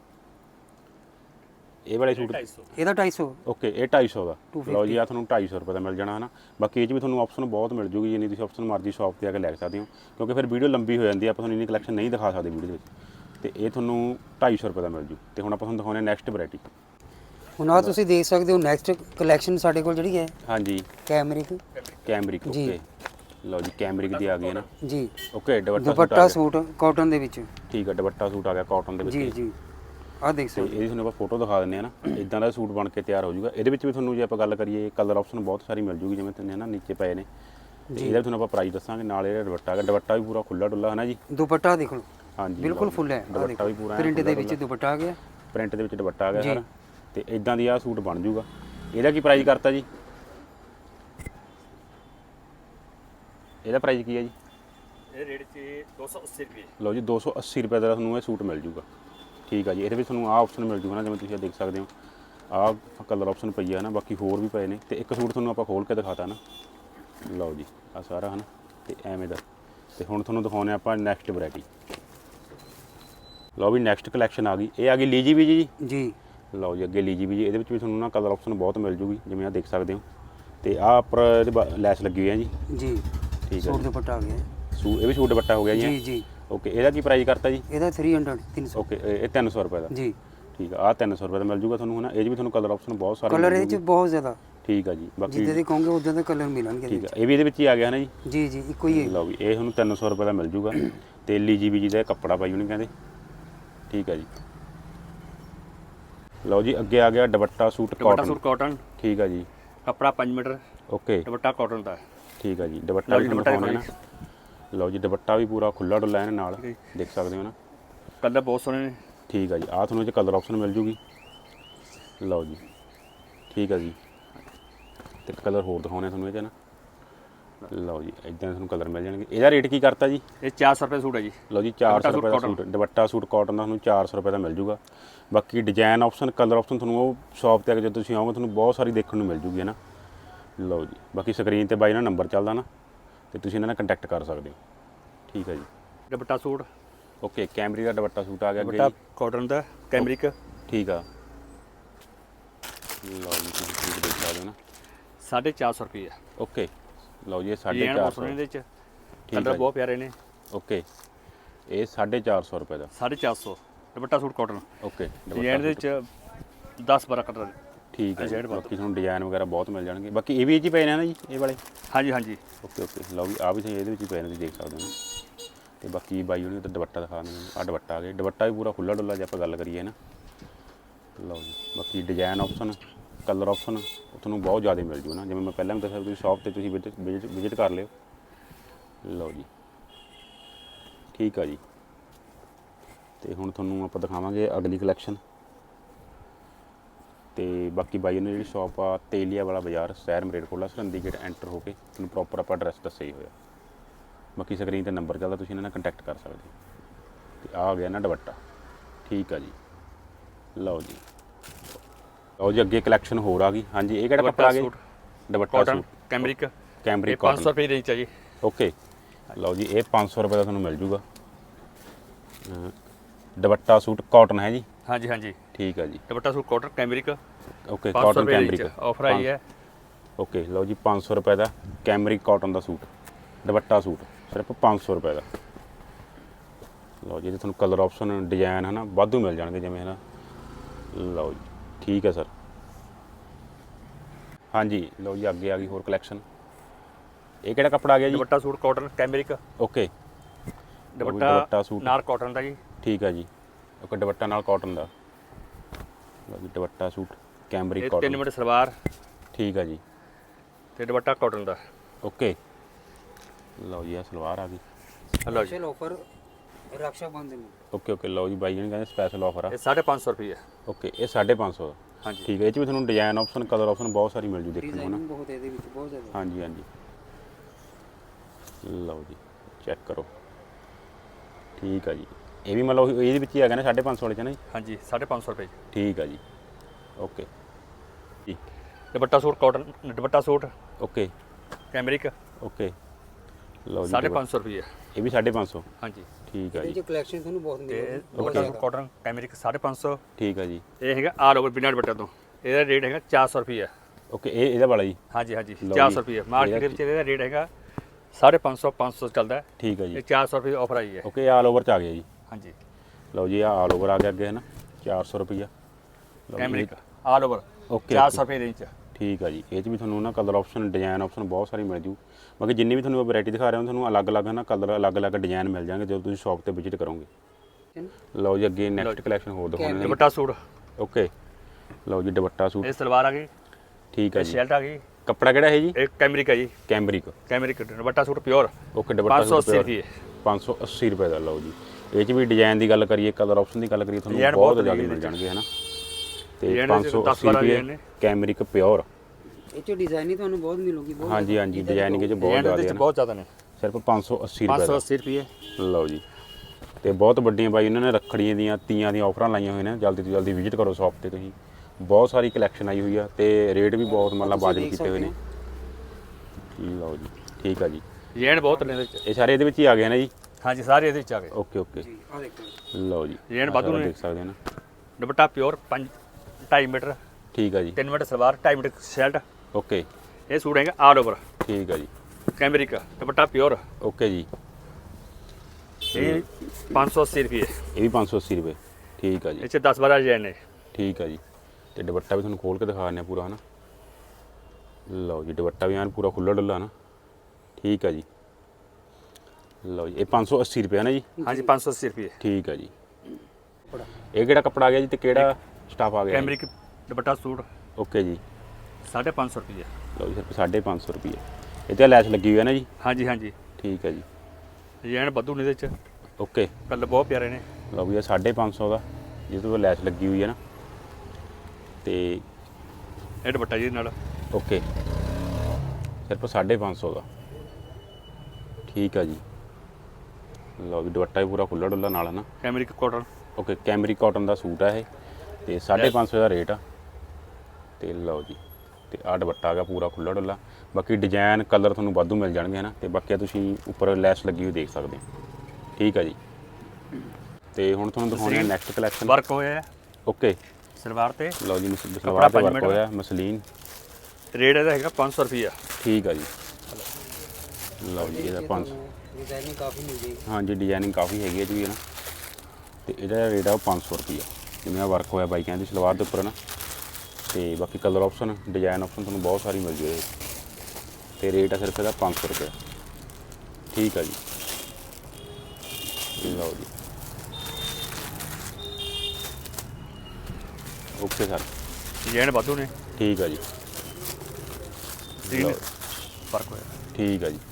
ਇਹ ਵਾਲੇ ਸੂਟ ਇਹਦਾ 250। ਓਕੇ, ਇਹ 250 ਦਾ। ਲਓ ਜੀ, ਆ ਤੁਹਾਨੂੰ 250 ਰੁਪਏ ਦਾ ਮਿਲ ਜਾਣਾ ਹਨਾ। ਬਾਕੀ ਇਹ 'ਚ ਵੀ ਤੁਹਾਨੂੰ ਆਪਸ਼ਨ ਬਹੁਤ ਮਿਲ ਜੂਗੀ, ਜਿੰਨੀ ਤੁਸੀਂ ਆਪਸ਼ਨ ਮਰਜ਼ੀ ਸ਼ਾਪ ਤੇ ਆ ਕੇ ਲੈ ਸਕਦੇ ਹੋ, ਕਿਉਂਕਿ ਫਿਰ ਵੀਡੀਓ ਲੰਬੀ ਹੋ ਜਾਂਦੀ ਹੈ, ਆਪਾਂ ਤੁਹਾਨੂੰ ਇੰਨੀ ਕਲੈਕਸ਼ਨ ਨਹੀਂ ਦਿਖਾ ਸਕਦੇ ਵੀਡੀਓ ਦੇ ਵਿੱਚ। ਤੇ ਇਹ ਤੁਹਾਨੂੰ 250 ਰੁਪਏ ਦਾ ਮਿਲ ਜੂ। ਤੇ ਹੁਣ ਆਪਾਂ ਤੁਹਾਨੂੰ ਦਿਖਾਉਂਦੇ ਹਾਂ ਨੈਕਸਟ ਵੈਰਾਈਟੀ। ਹੁਣ ਆ ਤੁਸੀਂ ਦੇਖ ਸਕਦੇ ਹੋ ਨੈਕਸਟ ਕਲੈਕਸ਼ਨ ਸਾਡੇ ਕੋਲ ਜਿਹੜੀ ਹੈ ਹਾਂਜੀ, ਕੈਮਰਿਕ ਕੈਮਰਿਕ। ਓਕੇ, ਲਓ ਜੀ ਕੈਮਰਿਕ ਦੀ ਆ ਗਈ ਹੈ ਨਾ ਜੀ। ਓਕੇ, ਦੁਪੱਟਾ ਸੂਟ ਕਾਟਨ ਦੇ ਵਿੱਚ। ਠੀਕ ਹੈ, ਦੁਪੱਟਾ ਸੂਟ ਆ ਗਿਆ ਕਾਟਨ ਦੇ ਵਿੱਚ। ਜੀ ਜੀ, ਆ ਦੇਖ ਤੇ ਸਕਦੇ ਇਹਦੀ ਤੁਹਾਨੂੰ ਆਪਾਂ ਫੋਟੋ ਦਿਖਾ ਦਿੰਦੇ ਆ ਨਾ, ਇਦਾਂ ਦਾ ਸੂਟ ਬਣ ਕੇ ਤਿਆਰ ਹੋ ਜਾਊਗਾ। ਇਹਦੇ ਵਿੱਚ ਵੀ ਤੁਹਾਨੂੰ ਜੇ ਆਪਾਂ ਗੱਲ ਕਰੀਏ ਕਲਰ ਆਪਸ਼ਨ ਬਹੁਤ ਸਾਰੀ ਮਿਲ ਜੂਗੀ, ਜਿਵੇਂ ਤੁਹਾਨੂੰ ਨਾ ਨੀਚੇ ਪਏ ਨੇ। ਤੇ ਇਹਦਾ ਤੁਹਾਨੂੰ ਆਪਾਂ ਪ੍ਰਾਈਸ ਦੱਸਾਂਗੇ, ਨਾਲ ਇਹਦਾ ਦੁਪੱਟਾ ਹੈਗਾ। ਦੁਪੱਟਾ ਵੀ ਪੂਰਾ ਖੁੱਲਾ ਡੁੱਲਾ ਹੈ ਨਾ ਜੀ। ਦੁਪੱਟਾ ਦੇਖ ਲਓ, ਹਾਂਜੀ, ਬਿਲਕੁਲ ਫੁੱਲ ਹੈ। ਆ ਦੁਪੱਟਾ ਵੀ ਦੇਖੋ ਪੂਰਾ ਪ੍ਰਿੰਟ ਦੇ ਵਿੱਚ ਦੁਪੱਟਾ ਆ ਗਿਆ, ਪ੍ਰਿੰਟ ਦੇ ਵਿੱਚ ਦੁਪੱਟਾ ਆ ਗਿਆ ਸਾਰਾ। ਤੇ ਇਦਾਂ ਦੀ ਆ ਸੂਟ ਬਣ ਜੂਗਾ। ਇਹਦਾ ਕੀ ਪ੍ਰਾਈਸ ਕਰਤਾ ਜੀ? ਇਹਦਾ ਪ੍ਰਾਈਸ ਕੀ ਹੈ ਜੀ? ਇਹ ਰੇਟ 'ਚ 280 ਰੁਪਏ। ਲਓ ਜੀ, 280 ਰੁਪਏ ਦਾ ਤੁਹਾਨੂੰ ਇਹ ਸੂਟ ਮਿਲ ਜੂਗਾ। ਠੀਕ ਆ ਜੀ, ਇਹਦੇ ਵਿੱਚ ਤੁਹਾਨੂੰ ਆਹ ਆਪਸ਼ਨ ਮਿਲ ਜੂਗਾ ਨਾ, ਜਿਵੇਂ ਤੁਸੀਂ ਦੇਖ ਸਕਦੇ ਹੋ ਆਹ ਕਲਰ ਆਪਸ਼ਨ ਪਈ ਆ ਨਾ, ਬਾਕੀ ਹੋਰ ਵੀ ਪਏ ਨੇ। ਤੇ ਇੱਕ ਸੂਟ ਤੁਹਾਨੂੰ ਆਪਾਂ ਖੋਲ ਕੇ ਦਿਖਾਤਾ ਨਾ। ਲਓ ਜੀ, ਆ ਸਾਰਾ ਹੈ ਨਾ, ਤੇ ਐਵੇਂ ਦਾ। ਤੇ ਹੁਣ ਤੁਹਾਨੂੰ ਦਿਖਾਉਂਦੇ ਆਪਾਂ ਨੈਕਸਟ ਵੈਰਾਈਟੀ। ਲਓ ਵੀ ਨੈਕਸਟ ਕਲੈਕਸ਼ਨ ਆ ਗਈ। ਇਹ ਆ ਗਈ ਲੀਜੀ ਵੀ ਜੀ। ਜੀ ਲਓ ਜੀ, ਅੱਗੇ ਲੀਜੀ ਵੀ ਜੀ। ਇਹਦੇ ਵਿੱਚ ਵੀ ਤੁਹਾਨੂੰ ਨਾ ਕਲਰ ਆਪਸ਼ਨ ਬਹੁਤ ਮਿਲ ਜੂਗੀ, ਜਿਵੇਂ ਆ ਦੇਖ ਸਕਦੇ ਹੋ। ਤੇ ਆਹ ਉੱਪਰ ਇਹਦੇ ਲੈਸ ਲੱਗੀ ਹੋਈ ਹੈ ਜੀ। ਜੀ, ਠੀਕ ਹੈ ਸੂਟ ਦੁਪੱਟਾ ਆ ਗਿਆ ਇਹ ਵੀ ਸੂਟ ਦੁਪੱਟਾ ਹੋ ਗਿਆ ਜੀ। ਜੀ। ਜੀ, ਓਕੇ, ਇਹਦਾ ਕੀ ਪ੍ਰਾਈਸ ਕਰਤਾ ਜੀ? ਇਹਦਾ 300 300। ਓਕੇ, ਇਹ 300 ਰੁਪਏ ਦਾ। ਜੀ, ਠੀਕ ਆ, ਆਹ 300 ਰੁਪਏ ਦਾ ਮਿਲ ਜੂਗਾ ਤੁਹਾਨੂੰ ਹਨਾ। ਇਹ 'ਚ ਵੀ ਤੁਹਾਨੂੰ ਕਲਰ ਆਪਸ਼ਨ ਬਹੁਤ ਸਾਰੇ ਕਲਰ ਮਿਲ ਇਹ ਚ ਜੂਗੇ। ਬਹੁਤ ਜ਼ਿਆਦਾ। ਠੀਕ ਆ ਜੀ, ਬਾਕੀ ਜਿੱਦਾਂ ਦੇ ਕਹੋਗੇ ਉਦਾਂ ਦੇ ਕਲਰ ਮਿਲਣਗੇ। ਠੀਕ ਆ, ਇਹ ਵੀ ਇਹਦੇ ਵਿੱਚ ਹੀ ਆ ਗਿਆ ਨਾ ਜੀ। ਜੀ ਜੀ, ਇੱਕੋ ਹੀ ਹੈ। ਲਓ ਵੀ ਇਹ ਤੁਹਾਨੂੰ 300 ਰੁਪਏ ਦਾ ਮਿਲ ਜੂਗਾ। ਤੇ ਲੀਜੀ ਵੀ ਜੀ ਦਾ ਕੱਪੜਾ ਪਾਈ ਉਹਨੇ ਕਹਿੰਦੇ। ਠੀਕ ਆ ਜੀ, ਲਓ ਜੀ ਅੱਗੇ ਆ ਗਿਆ dupatta suit dupatta cotton. Suit cotton, ਠੀਕ ਆ ਜੀ, ਕੱਪੜਾ 5 ਮੀਟਰ, ਓਕੇ। ਦੁਪੱਟਾ ਕਾਟਨ ਦਾ। ਠੀਕ ਆ ਜੀ, ਦੁਪੱਟਾ ਵੀ ਤੁਹਾਨੂੰ ਦਿਖਾਉਂਦੇ ਨਾ। ਲਓ ਜੀ, ਦੁਪੱਟਾ ਵੀ ਪੂਰਾ ਖੁੱਲਾ ਡੁੱਲਾ ਇਹਨੇ ਨਾਲ, ਦੇਖ ਸਕਦੇ ਹੋ ਨਾ। ਕਲਰ ਬਹੁਤ ਸੋਹਣੇ ਨੇ। ਠੀਕ ਆ ਜੀ, ਆਹ ਤੁਹਾਨੂੰ ਇਹ 'ਚ ਕਲਰ ਆਪਸ਼ਨ ਮਿਲ ਜੂਗੀ। ਲਓ ਜੀ, ਠੀਕ ਆ ਜੀ। ਤੇ ਕਲਰ ਹੋਰ ਦਿਖਾਉਣੇ ਤੁਹਾਨੂੰ ਇਹ 'ਚ ਨਾ। ਲਓ ਜੀ, ਇਦਾਂ ਤੁਹਾਨੂੰ ਕਲਰ ਮਿਲ ਜਾਣਗੇ। ਇਹਦਾ ਰੇਟ ਕੀ ਕਰਤਾ ਜੀ? ਇਹ 400 ਰੁਪਏ ਸੂਟ ਹੈ ਜੀ। ਲਓ ਜੀ, 400 ਰੁਪਏ ਦਾ ਸੂਟ, ਦੁਪੱਟਾ ਸੂਟ ਕਾਟਨ ਦਾ ਤੁਹਾਨੂੰ 400 ਰੁਪਏ ਦਾ ਮਿਲ ਜੂਗਾ। ਬਾਕੀ ਡਿਜ਼ਾਈਨ ਆਪਸ਼ਨ, ਕਲਰ ਆਪਸ਼ਨ ਤੁਹਾਨੂੰ ਉਹ ਸ਼ਾਪ ਤੇ ਆ ਕੇ ਜਦੋਂ ਤੁਸੀਂ ਆਓਗੇ ਤੁਹਾਨੂੰ ਬਹੁਤ ਸਾਰੀ ਦੇਖਣ ਨੂੰ ਮਿਲ ਜੂਗੀ ਹੈ ਨਾ। ਲਓ ਜੀ, ਬਾਕੀ ਸਕਰੀਨ ਤੇ ਬਾਈ ਨਾਲ ਨੰਬਰ ਚੱਲਦਾ ਨਾ, ਤੇ ਤੁਸੀਂ ਇਹਨਾਂ ਨਾਲ ਕੰਟੈਕਟ ਕਰ ਸਕਦੇ ਹੋ। ਠੀਕ ਹੈ ਜੀ, ਦੁਪੱਟਾ ਸੂਟ, ਓਕੇ। ਕੈਮਰੀ ਦਾ ਦੁਪੱਟਾ ਸੂਟ ਆ ਗਿਆ ਅੱਗੇ ਦੁਪੱਟਾ ਜੀ। ਕਾਟਨ ਦਾ ਕੈਮਰਿਕ। ਠੀਕ ਆ, ਲਓ ਜੀ ਤੁਸੀਂ ਸੂਟ ਦੇਖ ਸਕਦੇ ਹੋ ਨਾ। 450 ਰੁਪਏ। ਓਕੇ, ਲਓ ਜੀ ਇਹ ਡਿਜ਼ਾਈਨ ਬਹੁਤ 450। ਸੋਹਣੇ ਇਹਦੇ 'ਚ, ਠੀਕ ਕਲਰ ਹੈ ਬਹੁਤ ਪਿਆਰੇ ਨੇ। ਓਕੇ, ਇਹ 450 ਰੁਪਏ ਦਾ। 450 dupatta suit cotton. Okay, design ਦੇ ਵਿੱਚ 10-12 ਕਲਰ। ਠੀਕ ਹੈ ਜੀ, ਬਾਕੀ ਤੁਹਾਨੂੰ ਡਿਜ਼ਾਈਨ ਵਗੈਰਾ ਬਹੁਤ ਮਿਲ ਜਾਣਗੇ। ਬਾਕੀ ਇਹ ਵੀ ਇਹ 'ਚ ਹੀ ਪਏ ਨੇ ਨਾ ਜੀ, ਇਹ ਵਾਲੇ। ਹਾਂਜੀ ਹਾਂਜੀ, ਓਕੇ ਓਕੇ, ਲਓ ਵੀ ਆ ਵੀ ਸਹੀ, ਇਹਦੇ ਵਿੱਚ ਹੀ ਪਏ ਨੇ, ਤੁਸੀਂ ਦੇਖ ਸਕਦੇ ਹੋ। ਤੇ ਬਾਕੀ ਬਾਈ ਉਹਨੇ ਤਾਂ ਦੁਪੱਟਾ ਦਿਖਾ ਦਿੰਦੇ। ਆ ਦੁਪੱਟਾ ਆ ਗਿਆ, ਦੁਪੱਟਾ ਵੀ ਪੂਰਾ ਖੁੱਲਾ ਡੁੱਲਾ ਜੇ ਆਪਾਂ ਗੱਲ ਕਰੀਏ ਨਾ। ਲਓ ਜੀ, ਬਾਕੀ ਡਿਜ਼ਾਈਨ ਆਪਸ਼ਨ, ਕਲਰ ਆਪਸ਼ਨ ਤੁਹਾਨੂੰ ਬਹੁਤ ਜ਼ਿਆਦਾ ਮਿਲ ਜੂ ਨਾ। ਜਿਵੇਂ ਮੈਂ ਪਹਿਲਾਂ ਵੀ ਦੱਸਿਆ, ਤੁਸੀਂ ਸ਼ਾਪ ਤੇ ਤੁਸੀਂ ਵਿਜ਼ਿਟ ਕਰ ਲਿਓ। ਲਓ ਜੀ, ਠੀਕ ਆ ਜੀ। ਤੇ ਹੁਣ ਤੁਹਾਨੂੰ ਆਪਾਂ ਦਿਖਾਵਾਂਗੇ ਅਗਲੀ ਕਲੈਕਸ਼ਨ। ਤੇ ਬਾਕੀ ਬਾਈ ਨੇ ਜਿਹੜੀ ਸ਼ਾਪ ਆ ਤੇਲੀਆ ਵਾਲਾ ਬਾਜ਼ਾਰ, ਸ਼ਹਿਰ ਮਰੇਟਕੋਟਲਾ, ਸਰਹੰਦੀ ਗੇਟ ਐਂਟਰ ਹੋ ਕੇ ਤੁਹਾਨੂੰ ਪ੍ਰੋਪਰ ਆਪਾਂ ਐਡਰੈਸ ਦੱਸਿਆ ਹੀ ਹੋਇਆ। ਬਾਕੀ ਸਕਰੀਨ ਤੇ ਨੰਬਰ ਚੱਲਦਾ, ਤੁਸੀਂ ਇਹਨਾਂ ਨਾਲ ਕੰਟੈਕਟ ਕਰ ਸਕਦੇ ਹੋ। ਤੇ ਆ ਗਿਆ ਨਾ ਦੁਪੱਟਾ। ਠੀਕ ਆ ਜੀ, ਲਓ ਜੀ। ਲਓ ਜੀ, ਅੱਗੇ ਕਲੈਕਸ਼ਨ ਹੋਰ ਆ ਗਈ। ਹਾਂਜੀ, ਇਹ ਕਿਹੜਾ ਕੱਪੜਾ ਆ ਗਿਆ? Dupatta cotton suit cambric. Cambric 500 ਰੁਪਏ ਰੇਂਜ ਹੈ ਜੀ। ਓਕੇ, ਲਓ ਜੀ ਇਹ 500 ਰੁਪਏ ਦਾ ਤੁਹਾਨੂੰ ਮਿਲ ਜੂਗਾ। ਦੁਪੱਟਾ ਸੂਟ ਕਾਟਨ ਹੈ ਜੀ। ਹਾਂਜੀ ਹਾਂਜੀ, ਠੀਕ ਆ ਜੀ, dupatta suit cotton cambric. Okay, 500 cotton ਰੁਪਏ ਕੈਮਰਿਕ ਆਫਰ ਆਈ ਹੈ। ਓਕੇ, ਲਓ ਜੀ 500 ਰੁਪਏ ਦਾ ਕੈਮਰਿਕ ਕਾਟਨ ਦਾ ਸੂਟ, ਦੁਪੱਟਾ ਸੂਟ ਸਿਰਫ 500 ਰੁਪਏ ਦਾ। ਲਓ ਜੀ, ਤੁਹਾਨੂੰ ਕਲਰ ਆਪਸ਼ਨ, ਡਿਜ਼ਾਈਨ ਹੈ ਨਾ ਵਾਧੂ ਮਿਲ ਜਾਣਗੇ, ਜਿਵੇਂ ਹੈ ਨਾ। ਲਓ ਜੀ, ਠੀਕ ਹੈ ਸਰ। ਹਾਂਜੀ, ਲਓ ਜੀ ਅੱਗੇ ਆ ਗਈ ਹੋਰ ਕਲੈਕਸ਼ਨ। ਇਹ ਕਿਹੜਾ ਕੱਪੜਾ ਆ ਗਿਆ ਜੀ? Dupatta suit cotton cambric. Okay, dupatta suit ਨਾਲ ਕਾਟਨ ਦਾ ਜੀ। ਠੀਕ ਹੈ ਜੀ, ਓਕੇ। ਦੁਪੱਟਾ ਨਾਲ ਕਾਟਨ ਦਾ। ਲਓ ਜੀ, dupatta suit cambric cotton. 3 metre salwar. ਠੀਕ ਹੈ ਜੀ, ਤੇ ਦੁਪੱਟਾ ਕਾਟਨ ਦਾ। ਓਕੇ। ਲਓ ਜੀ, ਆ ਸਲਵਾਰ ਆ ਗਈ। ਹਲੋ ਜੀ, ਸਪੈਸ਼ਲ ਆਫਰ ਰਕਸ਼ਾ ਬੰਧਨ ਨੂੰ। ਓਕੇ ਓਕੇ, ਲਓ ਜੀ ਬਾਈ ਜੀ ਨੇ ਕਹਿੰਦੇ ਸਪੈਸ਼ਲ ਆਫਰ ਆ। ਇਹ 550 ਰੁਪਏ। ਓਕੇ, ਇਹ 550 ਦਾ। ਹਾਂਜੀ, ਠੀਕ ਹੈ, ਇਹ 'ਚ ਵੀ ਤੁਹਾਨੂੰ ਡਿਜ਼ਾਈਨ ਆਪਸ਼ਨ, ਕਲਰ ਆਪਸ਼ਨ ਬਹੁਤ ਸਾਰੀ ਮਿਲ ਜੂ ਦੇਖਣ ਨੂੰ ਨਾ। ਡਿਜ਼ਾਈਨਿੰਗ ਬਹੁਤ ਹੈ ਇਹਦੇ ਵਿੱਚ, ਬਹੁਤ ਜ਼ਿਆਦਾ। ਹਾਂਜੀ ਹਾਂਜੀ, ਲਓ ਜੀ ਚੈੱਕ ਕਰੋ। ਠੀਕ ਆ ਜੀ, ਇਹ ਵੀ ਮਤਲਬ ਇਹਦੇ ਵਿੱਚ ਹੀ ਆ ਗਿਆ ਨਾ 550 ਵਾਲੇ ਚ ਨਾ ਜੀ? ਹਾਂਜੀ 550 ਰੁਪਏ ਜੀ। ਠੀਕ ਆ ਜੀ ਓਕੇ ਜੀ। Dupatta suit cotton dupatta suit okay cambric okay ਲਓ ਜੀ 550 ਰੁਪਏ। ਇਹ ਵੀ 550 ਹਾਂਜੀ ਠੀਕ ਆ ਇਹਦੇ ਜੀ ਚ ਕਲੈਕਸ਼ਨ ਤੁਹਾਨੂੰ ਬਹੁਤ ਤੇ ਮਿਲੇਗੀ। Dupatta suit cotton cambric 550। ਠੀਕ ਆ ਜੀ ਇਹ ਹੈਗਾ ਆਲ ਓਵਰ ਬਿਨਾਂ ਦੁਪੱਟੇ ਤੋਂ। ਇਹਦਾ ਰੇਟ ਹੈਗਾ 400 ਰੁਪਏ। ਓਕੇ ਇਹ ਇਹਦਾ ਵਾਲਾ ਜੀ ਹਾਂਜੀ ਹਾਂਜੀ ਲਓ 400 ਜੀ। ਰੁਪਏ। ਮਾਰਕੀਟ ਦੇ ਵਿੱਚ ਇਹਦਾ ਰੇਟ ਹੈਗਾ 550 500 ਚੱਲਦਾ ਹੈ। ਠੀਕ ਆ ਜੀ ਇਹ 400 ਰੁਪਏ ਆਫਰ ਆਈ ਹੈ। ਓਕੇ ਆਲ ਓਵਰ ਚ ਆ ਗਿਆ ਜੀ। ਹਾਂਜੀ ਲਓ ਜੀ ਆ ਆਲ ਓਵਰ ਆ ਗਿਆ ਅੱਗੇ ਹੈ ਨਾ 400 ਰੁਪਈਆ ਕੈਮਰਿਕ ਆਲ ਓਵਰ ਓਕੇ 400 ਰੁਪਏ ਰੇਂਜ ਚ। ਠੀਕ ਆ ਜੀ ਇਹ 'ਚ ਵੀ ਤੁਹਾਨੂੰ ਨਾ ਕਲਰ ਆਪਸ਼ਨ ਡਿਜ਼ਾਈਨ ਆਪਸ਼ਨ ਬਹੁਤ ਸਾਰੀ ਮਿਲ ਜੂ ਬਾਕੀ ਜਿੰਨੀ ਵੀ ਤੁਹਾਨੂੰ ਵੈਰਾਈਟੀ ਦਿਖਾ ਰਿਹਾ ਹਾਂ ਤੁਹਾਨੂੰ ਅਲੱਗ-ਅਲੱਗ ਨਾ ਕਲਰ ਅਲੱਗ-ਅਲੱਗ ਡਿਜ਼ਾਈਨ ਮਿਲ ਜਾਣਗੇ ਜਦੋਂ ਤੁਸੀਂ ਸ਼ਾਪ ਤੇ ਵਿਜ਼ਿਟ ਕਰੋਗੇ। ਲਓ ਜੀ ਅੱਗੇ ਨੈਕਸਟ ਕਲੈਕਸ਼ਨ ਹੋਰ ਦਿਖਾਉਂਦੇ ਦੁਪੱਟਾ ਸੂਟ ਓਕੇ ਲਓ ਜੀ ਦੁਪੱਟਾ ਸੂਟ ਇਹ ਸਲਵਾਰ ਆ ਗਈ, ਠੀਕ ਆ ਇਹ ਜੀ ਸ਼ਰਟ ਆ ਗਈ, ਕੱਪੜਾ ਕਿਹੜਾ ਹੈ ਜੀ? ਇਹ ਕੈਮਰਿਕ ਹੈ ਜੀ। Cambric cambric dupatta suit pure okay dupatta 580 ਰੁਪਏ। 580 ਰੁਪਏ ਦਾ ਲਓ ਜੀ ਇਹ 'ਚ ਵੀ ਡਿਜ਼ਾਈਨ ਦੀ ਗੱਲ ਕਰੀਏ ਕਲਰ ਆਪਸ਼ਨ ਦੀ ਗੱਲ ਕਰੀਏ ਤੁਹਾਨੂੰ ਡਿਜ਼ਾਈਨ ਬਹੁਤ ਬਹੁਤ ਜ਼ਿਆਦਾ ਨੇ ਮਿਲ ਜਾਣਗੇ ਹੈ ਨਾ ਤੇ ਡਿਜ਼ਾਈਨ ਵਿੱਚ 580 10-12 ਰੁਪਏ ਡਿਜ਼ਾਈਨ ਨੇ। ਕੈਮਰਿਕ ਪਿਓਰ ਇਹ ਚ ਡਿਜ਼ਾਈਨ ਹੀ ਤੁਹਾਨੂੰ ਬਹੁਤ ਮਿਲੂਗੀ ਬਹੁਤ ਹਾਂਜੀ ਹਾਂਜੀ ਡਿਜ਼ਾਈਨਿੰਗ 'ਚ ਬਹੁਤ ਡਿਜ਼ਾਈਨ ਜ਼ਿਆਦਾ ਵਿੱਚ ਹੈ ਨਾ ਬਹੁਤ ਜ਼ਿਆਦਾ ਨੇ। ਸਿਰਫ 580 ਰੁਪਏ ਦਾ 580 ਰੁਪਏ। ਲਓ ਜੀ ਤੇ ਬਹੁਤ ਵੱਡੀਆਂ ਬਾਈ ਇਹਨਾਂ ਨੇ ਰੱਖੜੀਆਂ ਦੀਆਂ ਤੀਆਂ ਦੀਆਂ ਆਫਰਾਂ ਲਾਈਆਂ ਹੋਈਆਂ ਨੇ ਜਲਦੀ ਤੋਂ ਜਲਦੀ ਵਿਜ਼ਿਟ ਕਰੋ ਸ਼ਾਪ ਤੇ ਤੁਸੀਂ ਬਹੁਤ ਸਾਰੀ ਕਲੈਕਸ਼ਨ ਆਈ ਹੋਈ ਆ ਤੇ ਰੇਟ ਵੀ ਬਹੁਤ ਮਤਲਬ ਵਾਜਬ ਕੀਤੇ ਹੋਏ ਨੇ। ਲਓ ਜੀ ਠੀਕ ਆ ਜੀ ਡਿਜ਼ਾਈਨ ਬਹੁਤ ਨੇ ਇਹਦੇ ਵਿੱਚ। ਇਹ ਸਾਰੇ ਇਹਦੇ ਵਿੱਚ ਹੀ ਆ ਗਏ ਨੇ ਜੀ? ਹਾਂਜੀ ਸਾਰੇ ਇਹਦੇ ਵਿੱਚ ਆ ਗਏ। ਓਕੇ ਓਕੇ ਜੀ ਆ ਦੇਖੋ ਲਓ ਜੀ ਡਿਜ਼ਾਈਨ ਵਾਧੂ ਨੇ। ਦੇਖ ਸਕਦੇ ਹੋ ਨਾ ਦੁਪੱਟਾ ਪਿਓਰ 2.5 ਮੀਟਰ, ਠੀਕ ਆ ਜੀ 3 metre salwar, 2.5 metre shirt. Okay ਇਹ ਸੂਟ ਹੈਗਾ ਆਲ ਓਵਰ ਠੀਕ ਆ ਜੀ ਕੈਮਰਿਕ ਦੁਪੱਟਾ ਪਿਓਰ। ਓਕੇ ਜੀ ਇਹ 580 ਰੁਪਏ। ਇਹ ਵੀ 580 ਰੁਪਏ ਠੀਕ ਆ ਜੀ ਇਹ ਚ 10-12 ਡਿਜ਼ਾਈਨ ਨੇ। ਠੀਕ ਆ ਜੀ ਤੇ ਦੁਪੱਟਾ ਵੀ ਤੁਹਾਨੂੰ ਖੋਲ ਕੇ ਦਿਖਾ ਦਿੰਦੇ ਆ ਪੂਰਾ ਹਨਾ। ਲਓ ਜੀ ਦੁਪੱਟਾ ਵੀ ਐਨ ਪੂਰਾ ਖੁੱਲਾ ਡੁੱਲਾ ਨਾ ਠੀਕ ਆ ਜੀ। ਲਓ ਜੀ ਇਹ 580 ਰੁਪਏ ਨਾ ਜੀ? ਹਾਂਜੀ 580 ਰੁਪਏ। ਠੀਕ ਆ ਜੀ ਕੱਪੜਾ ਇਹ ਕਿਹੜਾ ਕੱਪੜਾ ਆ ਗਿਆ ਜੀ ਤੇ ਕਿਹੜਾ ਸਟਾਫ ਆ ਗਿਆ? ਕੈਮਰਿਕ ਦੁਪੱਟਾ ਸੂਟ ਓਕੇ ਜੀ 550 ਰੁਪਏ। ਲਓ ਜੀ ਸਿਰਫ 550 ਰੁਪਏ ਇਹ ਤੇ ਲੈਸ ਲੱਗੀ ਹੋਈ ਹੈ ਨਾ ਜੀ? ਹਾਂਜੀ ਹਾਂਜੀ ਠੀਕ ਹੈ ਜੀ ਡਿਜ਼ਾਈਨ ਵਾਧੂ ਨੇ ਇਹਦੇ ਚ, ਓਕੇ ਕਲਰ ਬਹੁਤ ਪਿਆਰੇ ਨੇ। ਲਓ ਵੀ ਇਹ 550 ਦਾ ਜਿਹਦੇ ਤੋਂ ਲੈਸ ਲੱਗੀ ਹੋਈ ਹੈ ਨਾ ਤੇ ਇਹ ਦੁਪੱਟਾ ਜੀ ਨਾਲ ਓਕੇ ਸਿਰਫ 550 ਦਾ ਠੀਕ ਆ ਜੀ। ਲਓ ਵੀ ਦੁਪੱਟਾ ਵੀ ਪੂਰਾ ਖੁੱਲਾ ਡੁੱਲਾ ਨਾਲ ਹੈ ਨਾ। Cambric cotton okay cambric cotton ਦਾ ਸੂਟ ਆ ਇਹ ਤੇ 550 ਦਾ ਰੇਟ ਆ ਤੇ ਲਓ ਜੀ ਤੇ ਆ ਦੁਪੱਟਾ ਆ ਗਿਆ ਪੂਰਾ ਖੁੱਲਾ ਡੁੱਲਾ ਬਾਕੀ ਡਿਜ਼ਾਈਨ ਕਲਰ ਤੁਹਾਨੂੰ ਵਾਧੂ ਮਿਲ ਜਾਣਗੇ ਨਾ ਤੇ ਬਾਕੀ ਤੁਸੀਂ ਉੱਪਰ ਲੈਸ ਲੱਗੀ ਹੋਈ ਦੇਖ ਸਕਦੇ ਹੋ ਠੀਕ ਆ ਜੀ। ਤੇ ਹੁਣ ਤੁਹਾਨੂੰ ਦਿਖਾਉਣੀ ਹੈ ਨੈਕਸਟ ਕਲੈਕਸ਼ਨ ਵਰਕ ਹੋਇਆ ਹੈ ਓਕੇ ਸਲਵਾਰ ਤੇ। ਲਓ ਜੀ ਸਲਵਾਰ ਤੇ 5 ਵਰਕ ਮੀਟਰ। ਹੋਇਆ ਮਸਲੀਨ ਰੇਟ ਇਹਦਾ ਹੈਗਾ 500 ਰੁਪਏ। ਠੀਕ ਆ ਜੀ। ਲਓ ਜੀ ਇਹਦਾ 500 ਡਿਜ਼ਾਈਨਿੰਗ ਕਾਫੀ ਮਿਲ ਜਾਏਗੀ। ਹਾਂਜੀ ਡਿਜ਼ਾਈਨਿੰਗ ਕਾਫੀ ਹੈਗੀ ਹੈ ਜੀ ਹੈ ਨਾ ਤੇ ਇਹਦਾ ਰੇਟ ਆ 500 ਰੁਪਈਆ ਜਿਵੇਂ ਆ ਵਰਕ ਹੋਇਆ ਬਾਈ ਕਹਿੰਦੀ ਸਲਵਾਰ ਦੇ ਉੱਪਰ ਨਾ ਤੇ ਬਾਕੀ ਕਲਰ ਆਪਸ਼ਨ ਡਿਜ਼ਾਈਨ ਆਪਸ਼ਨ ਤੁਹਾਨੂੰ ਬਹੁਤ ਸਾਰੀ ਮਿਲ ਜੂਏ ਤੇ ਰੇਟ ਆ ਸਿਰਫ ਇਹਦਾ 500 ਰੁਪਏ ਠੀਕ ਆ ਜੀ। ਲਓ ਜੀ ਓਕੇ ਸਰ ਡਿਜ਼ਾਈਨ ਵਾਧੂ ਨੇ। ਠੀਕ ਆ ਜੀ ਸੀਨ ਲਓ। ਵਰਕ ਹੋਇਆ। ਠੀਕ ਆ ਜੀ।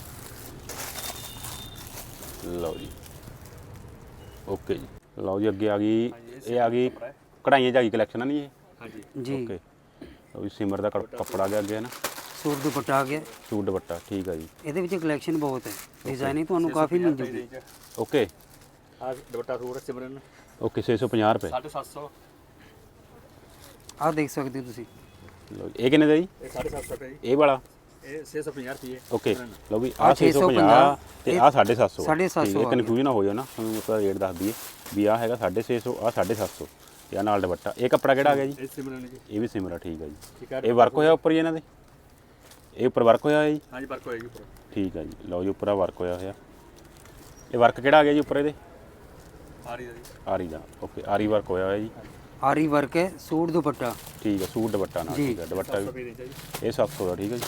ਲਓ ਜੀ ਓਕੇ ਜੀ। ਲਓ ਜੀ ਅੱਗੇ ਆ ਗਈ ਇਹ ਆ ਗਈ ਕਢਾਈਆਂ 'ਚ ਆ ਗਈ ਕਲੈਕਸ਼ਨ ਆ ਨਹੀਂ ਇਹ? ਹਾਂਜੀ ਜੀ ਓਕੇ ਲਓ ਜੀ ਸਿਮਰ ਦਾ ਕੱਪੜਾ ਆ ਗਿਆ ਅੱਗੇ ਹੈ ਨਾ ਸੂਟ ਦੁਪੱਟਾ ਆ ਗਿਆ। ਸੂਟ ਦੁਪੱਟਾ ਠੀਕ ਆ ਜੀ। ਇਹਦੇ ਵਿੱਚ ਕਲੈਕਸ਼ਨ ਬਹੁਤ ਹੈ ਡਿਜ਼ਾਈਨਿੰਗ ਤੁਹਾਨੂੰ ਕਾਫੀ ਮਿਲ ਜੂਗੀ। ਓਕੇ ਆ ਦੁਪੱਟਾ ਸੂਟ ਸਿਮਰਨ ਓਕੇ 650 ਰੁਪਏ 750। ਆਹ ਦੇਖ ਸਕਦੇ ਹੋ ਤੁਸੀਂ। ਲਓ ਜੀ ਇਹ ਕਿੰਨੇ ਦਾ ਜੀ? ਇਹ 750 ਰੁਪਏ ਜੀ। ਇਹ ਵਾਲਾ ਇਹ 650 ਰੁਪਏ। ਓਕੇ ਲਓ ਵੀ ਆਹ ਆਹ 650 ਤੇ ਆਹ 750 750 ਇਹ ਕਨਫਿਊਜ਼ਨ ਨਾ ਹੋ ਜਾਓ ਨਾ ਤੁਹਾਨੂੰ ਮਤਲਬ ਰੇਟ ਦੱਸ ਦਈਏ ਵੀ ਆਹ ਹੈਗਾ 650 ਆਹ 750 ਤੇ ਆਹ ਨਾਲ ਦੁਪੱਟਾ ਇਹ ਕੱਪੜਾ ਕਿਹੜਾ ਆ ਗਿਆ ਜੀ? ਇਹ ਸਿਮਰਨ ਜੀ। ਇਹ ਵੀ ਸਿਮਰਾ ਠੀਕ ਆ ਜੀ। ਠੀਕ ਹੈ। ਇਹ ਵਰਕ ਹੋਇਆ ਉੱਪਰ ਹੀ ਇਹਨਾਂ ਦੇ ਇਹ ਉੱਪਰ ਵਰਕ ਹੋਇਆ ਜੀ? ਹਾਂਜੀ ਵਰਕ ਹੋਏਗੀ ਉੱਪਰ। ਠੀਕ ਆ ਜੀ। ਲਓ ਜੀ ਉੱਪਰ ਆ ਵਰਕ ਹੋਇਆ ਹੋਇਆ ਇਹ ਵਰਕ ਕਿਹੜਾ ਆ ਗਿਆ ਜੀ ਉੱਪਰ ਇਹਦੇ? ਆਰੀ ਦਾ ਜੀ। ਆਰੀ ਦਾ ਓਕੇ ਆਰੀ ਵਰਕ ਹੋਇਆ ਹੋਇਆ ਜੀ। ਆਰੀ ਵਰਕ ਹੈ ਸੂਟ ਦੁਪੱਟਾ। ਠੀਕ ਆ ਸੂਟ ਦੁਪੱਟਾ ਨਾਲ ਜੀ। ਠੀਕ ਆ ਦੁਪੱਟਾ 700 ਵੀ ਰੁਪਏ ਰੇਂਜ ਹੈ ਜੀ। ਇਹ 700 ਦਾ ਠੀਕ ਆ ਜੀ।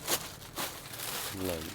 ਲਓ ਜੀ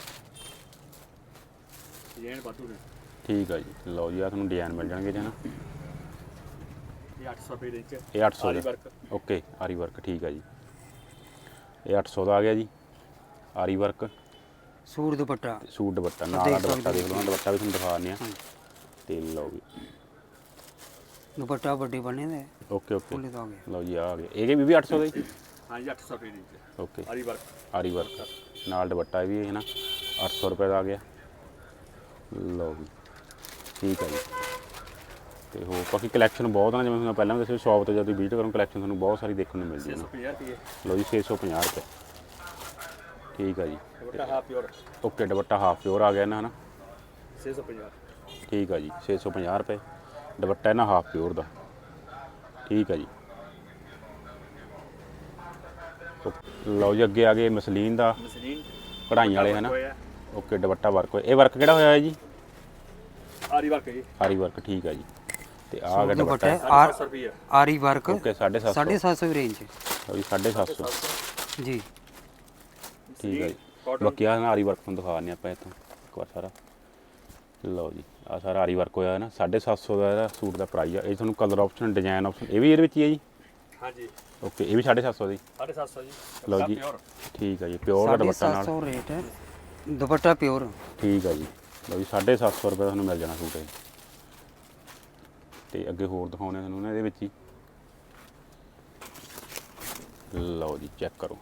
ਡਿਜ਼ਾਈਨ ਵਾਧੂ ਨੇ। ਠੀਕ ਆ ਜੀ। ਲਓ ਜੀ ਆ ਤੁਹਾਨੂੰ ਡਿਜ਼ਾਈਨ ਮਿਲ ਜਾਣਗੇ ਜੀ ਨਾ ਇਹ 800 ਰੁਪਏ ਰੇਂਜ ਚ। ਇਹ 800 ਆਰੀ ਦਾ ਵਰਕ। ਓਕੇ ਆਰੀ ਵਰਕ ਠੀਕ ਆ ਜੀ। ਇਹ 800 ਦਾ ਆ ਗਿਆ ਜੀ aari work suit dupatta. Suit dupatta ਨਾਲ ਆ ਦੁਪੱਟਾ ਦੇਖ ਲਓ ਨਾ ਦੁਪੱਟਾ ਵੀ ਤੁਹਾਨੂੰ ਦਿਖਾ ਦਿੰਦੇ ਆ ਤੇ ਲਓ ਵੀ ਦੁਪੱਟਾ ਵੱਡੇ ਬਣੇ ਦੇ ਓਕੇ ਓਕੇ ਫੁੱਲੇ ਤੋਂ ਆ ਗਿਆ। ਲਓ ਜੀ ਆ ਗਿਆ ਇਹ ਵੀ 800 ਦਾ ਜੀ? ਹਾਂਜੀ 800 ਰੁਪਏ ਰੇਂਜ ਚ। Okay aari work. ਆਰੀ ਵਰਕ ਨਾਲ ਦੁਪੱਟਾ ਵੀ ਹੈ ਨਾ 800 ਰੁਪਏ ਦਾ ਆ ਗਿਆ। ਲਓ ਵੀ ਠੀਕ ਆ ਜੀ। ਤੇ ਹੋਰ ਬਾਕੀ ਕਲੈਕਸ਼ਨ ਬਹੁਤ ਆ, ਜਿਵੇਂ ਤੁਹਾਨੂੰ ਪਹਿਲਾਂ ਵੀ ਦੱਸਿਆ ਸ਼ਾਪ ਤੇ ਜਦੋਂ ਤੁਸੀਂ ਵਿਜ਼ਿਟ ਕਰੋ ਕਲੈਕਸ਼ਨ ਤੁਹਾਨੂੰ ਬਹੁਤ ਸਾਰੀ ਦੇਖਣ ਨੂੰ ਮਿਲ ਜੂਗੀ। 650 ਰੁਪਏ ਲਓ ਜੀ 650 ਰੁਪਏ, ਠੀਕ ਆ ਜੀ। Dupatta half pure okay dupatta half pure ਆ ਗਿਆ ਨਾ, ਹਨਾ 650 ਠੀਕ ਆ ਜੀ 650 ਰੁਪਏ ਦੁਪੱਟਾ ਇਹਨਾਂ ਹਾਫ ਪਿਓਰ ਦਾ, ਠੀਕ ਆ ਜੀ। ਲਓ ਜੀ ਅੱਗੇ ਆ ਗਏ ਮਸਲੀਨ ਦਾ ਮਸਲੀਨ ਕਢਾਈ ਵਾਲੇ ਹਨਾ। ਓਕੇ ਦੁਪੱਟਾ ਵਰਕ ਹੋਇਆ, ਇਹ ਵਰਕ ਕਿਹੜਾ ਹੋਇਆ ਹੈ ਜੀ? ਆਰੀ ਵਰਕ ਜੀ, ਆਰੀ ਵਰਕ, ਠੀਕ ਆ ਜੀ। ਤੇ ਆ ਗਿਆ ਦੁਪੱਟਾ ਦੁਪੱਟਾ 700 ਰੁਪਏ ਆਰੀ ਵਰਕ ਓਕੇ 750 750 ਰੇਂਜ ਲਓ ਜੀ 750 ਜੀ। ਠੀਕ ਆ ਜੀ। ਬਾਕੀ ਆ ਨਾ ਆਰੀ ਵਰਕ ਤੁਹਾਨੂੰ ਦਿਖਾ ਦਿੰਦੇ ਆਪਾਂ ਇੱਥੋਂ ਇੱਕ ਵਾਰ ਸਾਰਾ। ਲਓ ਜੀ ਆ ਸਾਰਾ ਆਰੀ ਵਰਕ ਹੋਇਆ ਹੈ ਨਾ, 750 ਦਾ ਇਹਦਾ ਸੂਟ ਦਾ ਪ੍ਰਾਈਸ ਆ। ਇਹ ਤੁਹਾਨੂੰ ਕਲਰ ਆਪਸ਼ਨ ਡਿਜ਼ਾਈਨ ਆਪਸ਼ਨ ਇਹ ਵੀ ਇਹਦੇ ਵਿੱਚ ਹੀ ਹੈ ਜੀ? ਹਾਂਜੀ ਓਕੇ ਇਹ ਵੀ 750 ਦੀ, 750 ਜੀ। ਲਓ ਜੀ ਠੀਕ ਆ ਜੀ ਪਿਓਰ ਦਾ ਦੁਪੱਟਾ ਨਾਲ 750 ਰੇਟ ਹੈ, ਦੁਪੱਟਾ ਪਿਓਰ, ਠੀਕ ਆ ਜੀ। ਲਓ ਜੀ 750 ਰੁਪਏ ਦਾ ਤੁਹਾਨੂੰ ਮਿਲ ਜਾਣਾ ਸੂਟ ਇਹ। ਤੇ ਅੱਗੇ ਹੋਰ ਦਿਖਾਉਣੇ ਤੁਹਾਨੂੰ ਨਾ ਇਹਦੇ ਵਿੱਚ ਹੀ। ਲਓ ਜੀ ਚੈੱਕ ਕਰੋ,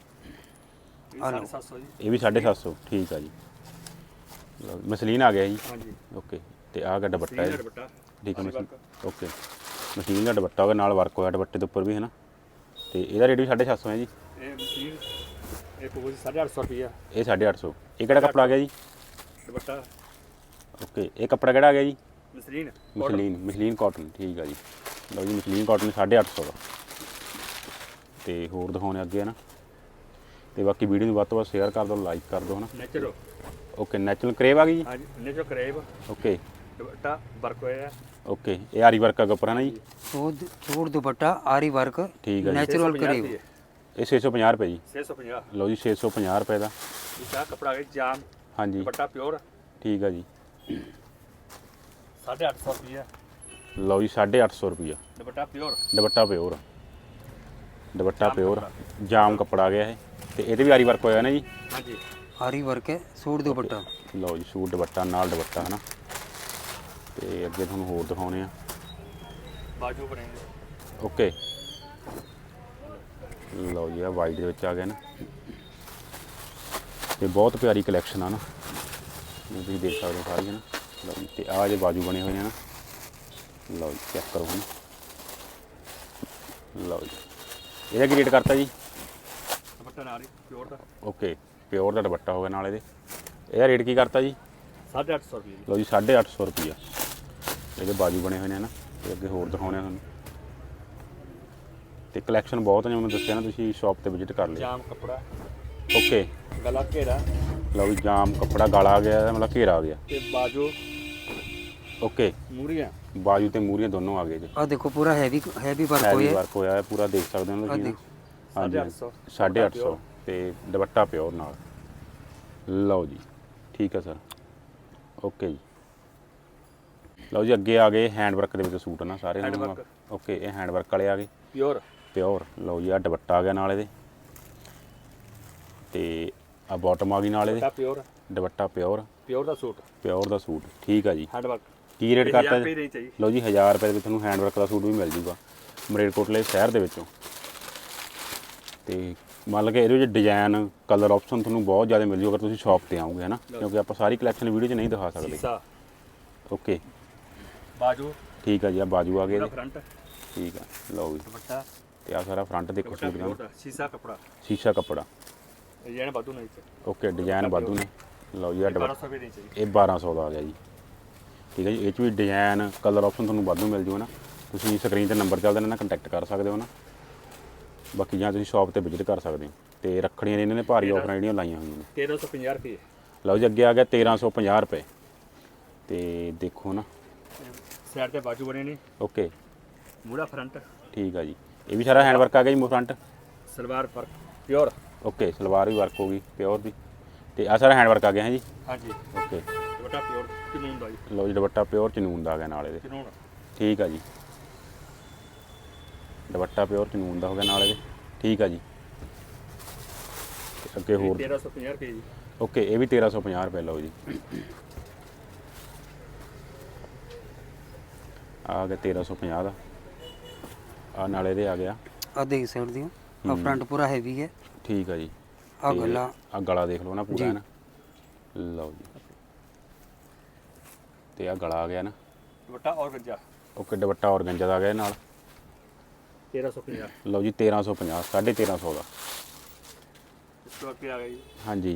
750 ਜੀ। ਇਹ ਵੀ 750 ਠੀਕ ਆ ਜੀ। ਲਓ ਮਸਲੀਨ ਆ ਗਿਆ ਜੀ, ਹਾਂਜੀ ਓਕੇ। ਤੇ ਆਹ ਗਾ ਦੁਪੱਟਾ ਹੈ, ਦੁਪੱਟਾ ਠੀਕ ਹੈ ਮਸ਼ੀਨ, ਓਕੇ ਮਸ਼ੀਨ ਦਾ ਦੁਪੱਟਾ ਹੋਗਾ ਨਾਲ ਵਰਕ ਹੋਇਆ ਦੁਪੱਟੇ ਦੇ ਉੱਪਰ ਵੀ ਹੈ ਨਾ। ਤੇ ਇਹਦਾ ਰੇਟ ਵੀ 750 ਹੈ ਜੀ। ਇਹ ਮਸ਼ੀਨ ਇਹ ਪਊ 850 ਰੁਪਏ ਇਹ 850। ਇਹ ਕਿਹੜਾ ਕੱਪੜਾ ਆ ਗਿਆ ਜੀ? ਦੁਪੱਟਾ ਓਕੇ ਇਹ ਕੱਪੜਾ ਕਿਹੜਾ ਆ ਗਿਆ ਜੀ? ਮਸਲੀਨ ਮਸਲੀਨ ਕਾਟਨ, ਠੀਕ ਆ ਜੀ। ਲਓ ਜੀ ਮਸਲੀਨ ਕਾਟਨ 850 ਦਾ। ਤੇ ਹੋਰ ਦਿਖਾਉਣੇ ਅੱਗੇ ਹੈ ਨਾ। ਤੇ ਬਾਕੀ ਵੀਡੀਓ ਨੂੰ ਵੱਧ ਤੋਂ ਵੱਧ ਸ਼ੇਅਰ ਕਰ ਦਿਓ, ਲਾਈਕ ਕਰ ਦਿਓ ਹੈ ਨਾ। ਨੇਚਰੋ ਓਕੇ ਨੈਚੁਰਲ ਕਰੇਵ ਆ ਗਈ ਜੀ। ਹਾਂਜੀ ਨੇਚਰੋ ਕਰੇਬ ਓਕੇ ਦੁਪੱਟਾ ਵਰਕ ਹੋਇਆ ਓਕੇ ਇਹ ਆਰੀ ਵਰਕ ਦਾ ਉੱਪਰ ਹੈ ਨਾ ਜੀ? ਸੂਟ ਦੁਪੱਟਾ ਆਰੀ ਵਰਕ ਠੀਕ ਆ ਜੀ। ਨੈਚੁਰਲ ਕਰੀਬ ਇਹ 650 ਰੁਪਏ ਜੀ। 650 ਲਓ ਜੀ 650 ਰੁਪਏ ਦਾ, ਇਹ ਕਪੜਾ ਹੈ ਜਾਮ ਹਾਂਜੀ ਦੁਪੱਟਾ ਪਿਓਰ ਠੀਕ ਆ ਜੀ। 850 ਰੁਪਏ ਲਓ ਜੀ 850 ਰੁਪਈਆ dupatta pure dupatta pure, dupatta pure ਜਾਮ ਕੱਪੜਾ ਆ ਗਿਆ ਇਹ। ਤੇ ਇਹਦੇ ਵੀ ਆਰੀ ਵਰਕ ਹੋਇਆ ਨਾ ਜੀ? ਹਾਂਜੀ ਆਰੀ ਵਰਕ ਹੈ, ਸੂਟ ਦੁਪੱਟਾ। ਲਓ ਜੀ ਸੂਟ ਦੁਪੱਟਾ ਨਾਲ ਦੁਪੱਟਾ ਹੈ ਨਾ। ਤੇ ਅੱਗੇ ਤੁਹਾਨੂੰ ਹੋਰ ਦਿਖਾਉਣੇ ਆ। ਬਾਜੂ ਬਣੇਗੇ ਓਕੇ ਲਓ ਜੀ ਆ ਵਾਈਟ ਦੇ ਵਿੱਚ ਆ ਗਿਆ ਨਾ। ਤੇ ਬਹੁਤ ਪਿਆਰੀ ਕਲੈਕਸ਼ਨ ਆ ਨਾ, ਜਿਵੇਂ ਤੁਸੀਂ ਦੇਖ ਸਕਦੇ ਹੋ ਸਾਰੀ ਹੈ ਨਾ। ਲਓ ਜੀ ਤੇ ਆਹ ਜੇ ਬਾਜੂ ਬਣੇ ਹੋਏ ਨੇ ਨਾ, ਲਓ ਜੀ ਚੈੱਕ ਕਰੋ ਹੁਣ। ਲਓ ਜੀ ਇਹਦਾ ਕੀ ਰੇਟ ਕਰਤਾ ਜੀ? ਦੁਪੱਟਾ ਨਾਲ ਹੀ ਪਿਓਰ ਦਾ ਓਕੇ ਪਿਓਰ ਦਾ ਦੁਪੱਟਾ ਹੋ ਗਿਆ ਨਾਲ ਇਹਦੇ। ਇਹਦਾ ਰੇਟ ਕੀ ਕਰਤਾ ਜੀ? 850 ਰੁਪਏ ਲਓ ਜੀ 850 ਰੁਪਈਆ ਇਹਦੇ ਬਾਜੂ ਬਣੇ ਹੋਏ ਨੇ ਨਾ। ਤੇ ਅੱਗੇ ਹੋਰ ਦਿਖਾਉਣੇ ਆ ਤੁਹਾਨੂੰ। ਤੇ ਕਲੈਕਸ਼ਨ ਬਹੁਤ ਹੈ, ਜਿਵੇਂ ਮੈਨੂੰ ਦੱਸਿਆ ਨਾ, ਤੁਸੀਂ ਸ਼ਾਪ ਤੇ ਵਿਜ਼ਿਟ ਕਰ ਲਿਓ। ਜਾਮ ਕਪੜਾ ਓਕੇ ਗਲਾ ਘੇਰਾ ਲਓ ਜੀ ਜਾਮ ਕੱਪੜਾ ਗਾਲਾ ਆ ਗਿਆ, ਮਤਲਬ ਘੇਰਾ ਆ ਗਿਆ। ਤੇ ਬਾਜੂ ਓਕੇ ਮੂਰੀਆਂ ਬਾਜੂ ਤੇ ਮੂਰੀਆਂ ਦੋਨੋਂ ਆ ਗਏ ਜੀ। ਆ ਦੇਖੋ ਪੂਰਾ ਹੈਵੀ ਵਰਕ ਹੈਵੀ ਹੋਇਆ ਵਰਕ ਹੋਇਆ ਹੈ ਪੂਰਾ, ਦੇਖ ਸਕਦੇ ਹੋ ਤੁਸੀਂ ਨਾ। ਹਾਂਜੀ 850 ਤੇ ਦੁਪੱਟਾ ਪਿਓਰ ਨਾਲ। ਲਓ ਜੀ ਠੀਕ ਹੈ ਸਰ, ਓਕੇ ਜੀ। ਲਓ ਜੀ ਅੱਗੇ ਆ ਗਏ ਹੈਂਡ ਵਰਕ ਦੇ ਵਿੱਚ ਸੂਟ ਨਾ ਸਾਰੇ। ਓਕੇ ਇਹ ਹੈਂਡ ਵਰਕ ਵਾਲੇ ਆ ਗਏ ਪਿਓਰ ਪਿਓਰ। ਲਓ ਜੀ ਆ ਦੁਪੱਟਾ ਆ ਗਿਆ ਨਾਲ ਇਹਦੇ। ਤੇ ਆ ਬਾਟਮ ਆ ਗਈ ਨਾਲ ਇਹਦੇ। ਪਿਓਰ ਦੁਪੱਟਾ ਪਿਓਰ, ਪਿਓਰ ਦਾ ਸੂਟ ਪਿਓਰ ਦਾ ਸੂਟ, ਠੀਕ ਆ ਜੀ। ਹੈਂਡ ਵਰਕ ਕੀ ਰੇਟ ਕਰਤਾ? ਰੇਂਜ ਹੈ ਜੀ। ਲਓ ਜੀ 1000 ਰੁਪਏ ਦੇ ਵਿੱਚ ਤੁਹਾਨੂੰ ਹੈਂਡ ਵਰਕ ਦਾ ਸੂਟ ਵੀ ਮਿਲ ਜੂਗਾ ਮਰੇਲਕੋਟਲੇ ਸ਼ਹਿਰ ਦੇ ਵਿੱਚੋਂ। ਤੇ ਮੰਨ ਕੇ ਇਹਦੇ ਵਿੱਚ ਡਿਜ਼ਾਈਨ ਕਲਰ ਆਪਸ਼ਨ ਤੁਹਾਨੂੰ ਬਹੁਤ ਜ਼ਿਆਦਾ ਮਿਲ ਜੂ ਅਗਰ ਤੁਸੀਂ ਸ਼ਾਪ ਤੇ ਆਓਗੇ ਹੈ ਨਾ, ਕਿਉਂਕਿ ਆਪਾਂ ਸਾਰੀ ਕਲੈਕਸ਼ਨ ਵੀਡੀਓ 'ਚ ਨਹੀਂ ਦਿਖਾ ਸਕਦੇ। ਸੀਸਾ ਓਕੇ ਬਾਜੂ ਠੀਕ ਆ ਜੀ ਆ ਬਾਜੂ ਆ ਗਏ ਇਹਦੇ, ਫਰੰਟ ਠੀਕ ਆ। ਲਓ ਜੀ ਦੁਪੱਟਾ ਤੇ ਆ ਸਾਰਾ ਫਰੰਟ ਦੇਖੋ ਦੁਪੱਟਾ ਸੂਟ ਪਿਓਰ ਦਾ ਦਾ ਸ਼ੀਸ਼ਾ ਕਪੜਾ ਸ਼ੀਸ਼ਾ ਕੱਪੜਾ। ਡਿਜ਼ਾਈਨ ਬਾਦੂ ਨਹੀਂ ਚ ਓਕੇ ਡਿਜ਼ਾਈਨ ਵਾਧੂ ਨੇ। ਲਓ ਜੀ ਆ 1200 ਰੁਪਏ ਰੇਂਜ ਹੈ ਜੀ। ਇਹ 1200 ਦਾ ਆ ਗਿਆ ਜੀ, ਠੀਕ ਹੈ ਜੀ। ਇਹ 'ਚ ਵੀ ਡਿਜ਼ਾਈਨ ਕਲਰ ਆਪਸ਼ਨ ਤੁਹਾਨੂੰ ਵਾਧੂ ਮਿਲ ਜੂ ਨਾ। ਤੁਸੀਂ ਸਕਰੀਨ ਤੇ ਨੰਬਰ ਚੱਲਦੇ ਨੇ ਨਾ, ਕੰਟੈਕਟ ਕਰ ਸਕਦੇ ਹੋ ਨਾ। ਬਾਕੀ ਜਾਂ ਤੁਸੀਂ ਸ਼ਾਪ ਤੇ ਵਿਜ਼ਿਟ ਕਰ ਸਕਦੇ ਹੋ। ਤੇ ਰੱਖੜੀਆਂ ਨੇ ਇਹਨਾਂ ਨੇ ਭਾਰੀ ਆਫਰਾਂ ਜਿਹੜੀਆਂ ਲਾਈਆਂ ਹੋਈਆਂ ਨੇ। 1350 ਰੁਪਏ ਲਓ ਜੀ ਅੱਗੇ ਆ ਗਿਆ 1350 ਰੁਪਏ। ਤੇ ਦੇਖੋ ਨਾ ਸਾਈਡ ਤੇ ਬਾਜੂ ਬਣੇ ਨੇ। ਓਕੇ ਮੂੜਾ ਫਰੰਟ ਠੀਕ ਆ ਜੀ। ਇਹ ਵੀ ਸਾਰਾ ਹੈਂਡ ਵਰਕ ਆ ਗਿਆ ਜੀ ਫਰੰਟ। ਸਲਵਾਰ ਫਰਕ ਪਿਓਰ ਓਕੇ ਸਲਵਾਰ ਵੀ ਵਰਕ ਹੋ ਗਈ ਪਿਓਰ ਦੀ। ਤੇ ਆ ਸਾਰਾ ਹੈਂਡ ਵਰਕ ਆ ਗਿਆ ਹੈ ਜੀ। ਹਾਂਜੀ ਓਕੇ ਦੁਪੱਟਾ ਪਿਓਰ ਚਨੂਨ ਦਾ ਜੀ। ਲਓ ਜੀ ਦੁਪੱਟਾ ਪਿਓਰ ਚਨੂਨ ਦਾ ਆ ਗਿਆ ਨਾਲ ਇਹਦੇ, ਚਨੂਨ ਠੀਕ ਆ ਜੀ। ਦੁਪੱਟਾ ਪਿਓਰ ਚਨੂਨ ਦਾ ਹੋ ਗਿਆ ਨਾਲ ਇਹਦੇ, ਠੀਕ ਆ ਜੀ। ਤੇ ਅੱਗੇ ਹੋਰ 1350 ਰੁਪਏ ਜੀ। ਓਕੇ ਇਹ ਵੀ 1350 ਰੁਪਏ। ਲਓ ਜੀ ਆ ਗਿਆ 1350 ਦਾ। ਆ ਨਾਲ ਇਹਦੇ ਆ ਗਿਆ, ਆ ਦੇਖ ਸਕਦੇ ਹੋ ਆ ਫਰੰਟ ਪੂਰਾ ਹੈਵੀ ਹੈ, ਠੀਕ ਆ ਜੀ। ਆ ਗਲਾ ਆ ਗਲਾ ਦੇਖ ਲਓ ਨਾ ਪੂਰਾ ਹੈ ਨਾ। ਲਓ ਜੀ ਤੇ ਆ ਗਲਾ ਆ ਗਿਆ ਨਾ। ਦੁਪੱਟਾ ਔਰਗੰਜਾ ਓਕੇ ਦੁਪੱਟਾ ਔਰਗੰਜਾ ਦਾ ਆ ਗਿਆ ਇਹ ਨਾਲ। 1350 ਲਓ ਜੀ 1350 1350 ਦਾ। ਇਸ ਤੋਂ ਅੱਗੇ ਆ ਗਿਆ ਜੀ ਹਾਂਜੀ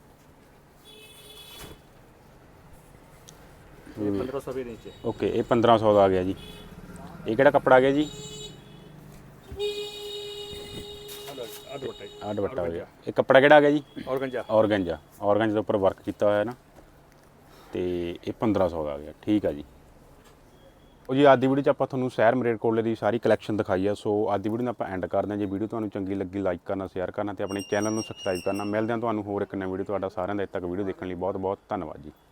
ਇਹ 1500 ਦੇ ਨੀਚੇ। ਓਕੇ ਇਹ 1500 ਦਾ ਆ ਗਿਆ ਜੀ। ਇਹ ਕਿਹੜਾ ਕੱਪੜਾ ਆ ਗਿਆ ਜੀ? ਆ ਦੁਪੱਟਾ ਜੀ, ਆਹ ਦੁਪੱਟਾ ਆ ਗਿਆ। ਇਹ ਕੱਪੜਾ ਕਿਹੜਾ ਆ ਗਿਆ ਜੀ? ਔਰਗੰਜਾ। ਔਰਗੰਜਾ। ਔਰਗੰਜਾ ਦੇ ਉੱਪਰ ਵਰਕ ਕੀਤਾ ਹੋਇਆ ਨਾ, ਤੇ ਇਹ 1500 ਦਾ ਆ ਗਿਆ। ਠੀਕ ਆ ਜੀ। ਉਹ ਜੀ ਅੱਜ ਦੀ ਵੀਡੀਓ 'ਚ ਆਪਾਂ ਤੁਹਾਨੂੰ ਸ਼ਹਿਰ ਮਲੇਰਕੋਟਲੇ ਦੀ ਸਾਰੀ ਕਲੈਕਸ਼ਨ ਦਿਖਾਈ ਆ। ਸੋ ਅੱਜ ਦੀ ਵੀਡੀਓ ਨੂੰ ਆਪਾਂ ਐਂਡ ਕਰਦੇ ਹਾਂ। ਜੇ ਵੀਡੀਓ ਤੁਹਾਨੂੰ ਚੰਗੀ ਲੱਗੀ ਲਾਈਕ ਕਰਨਾ, ਸ਼ੇਅਰ ਕਰਨਾ ਤੇ ਆਪਣੇ ਚੈਨਲ ਨੂੰ ਸਬਸਕ੍ਰਾਈਬ ਕਰਨਾ। ਮਿਲਦੇ ਹਾਂ ਤੁਹਾਨੂੰ ਹੋਰ ਇੱਕ ਨਵੀਂ ਵੀਡੀਓ। ਤੁਹਾਡਾ ਸਾਰਿਆਂ ਦਾ ਇੱਥੇ ਤੱਕ ਵੀਡੀਓ ਦੇਖਣ ਲਈ ਬਹੁਤ ਬਹੁਤ ਧੰਨਵਾਦ ਜੀ।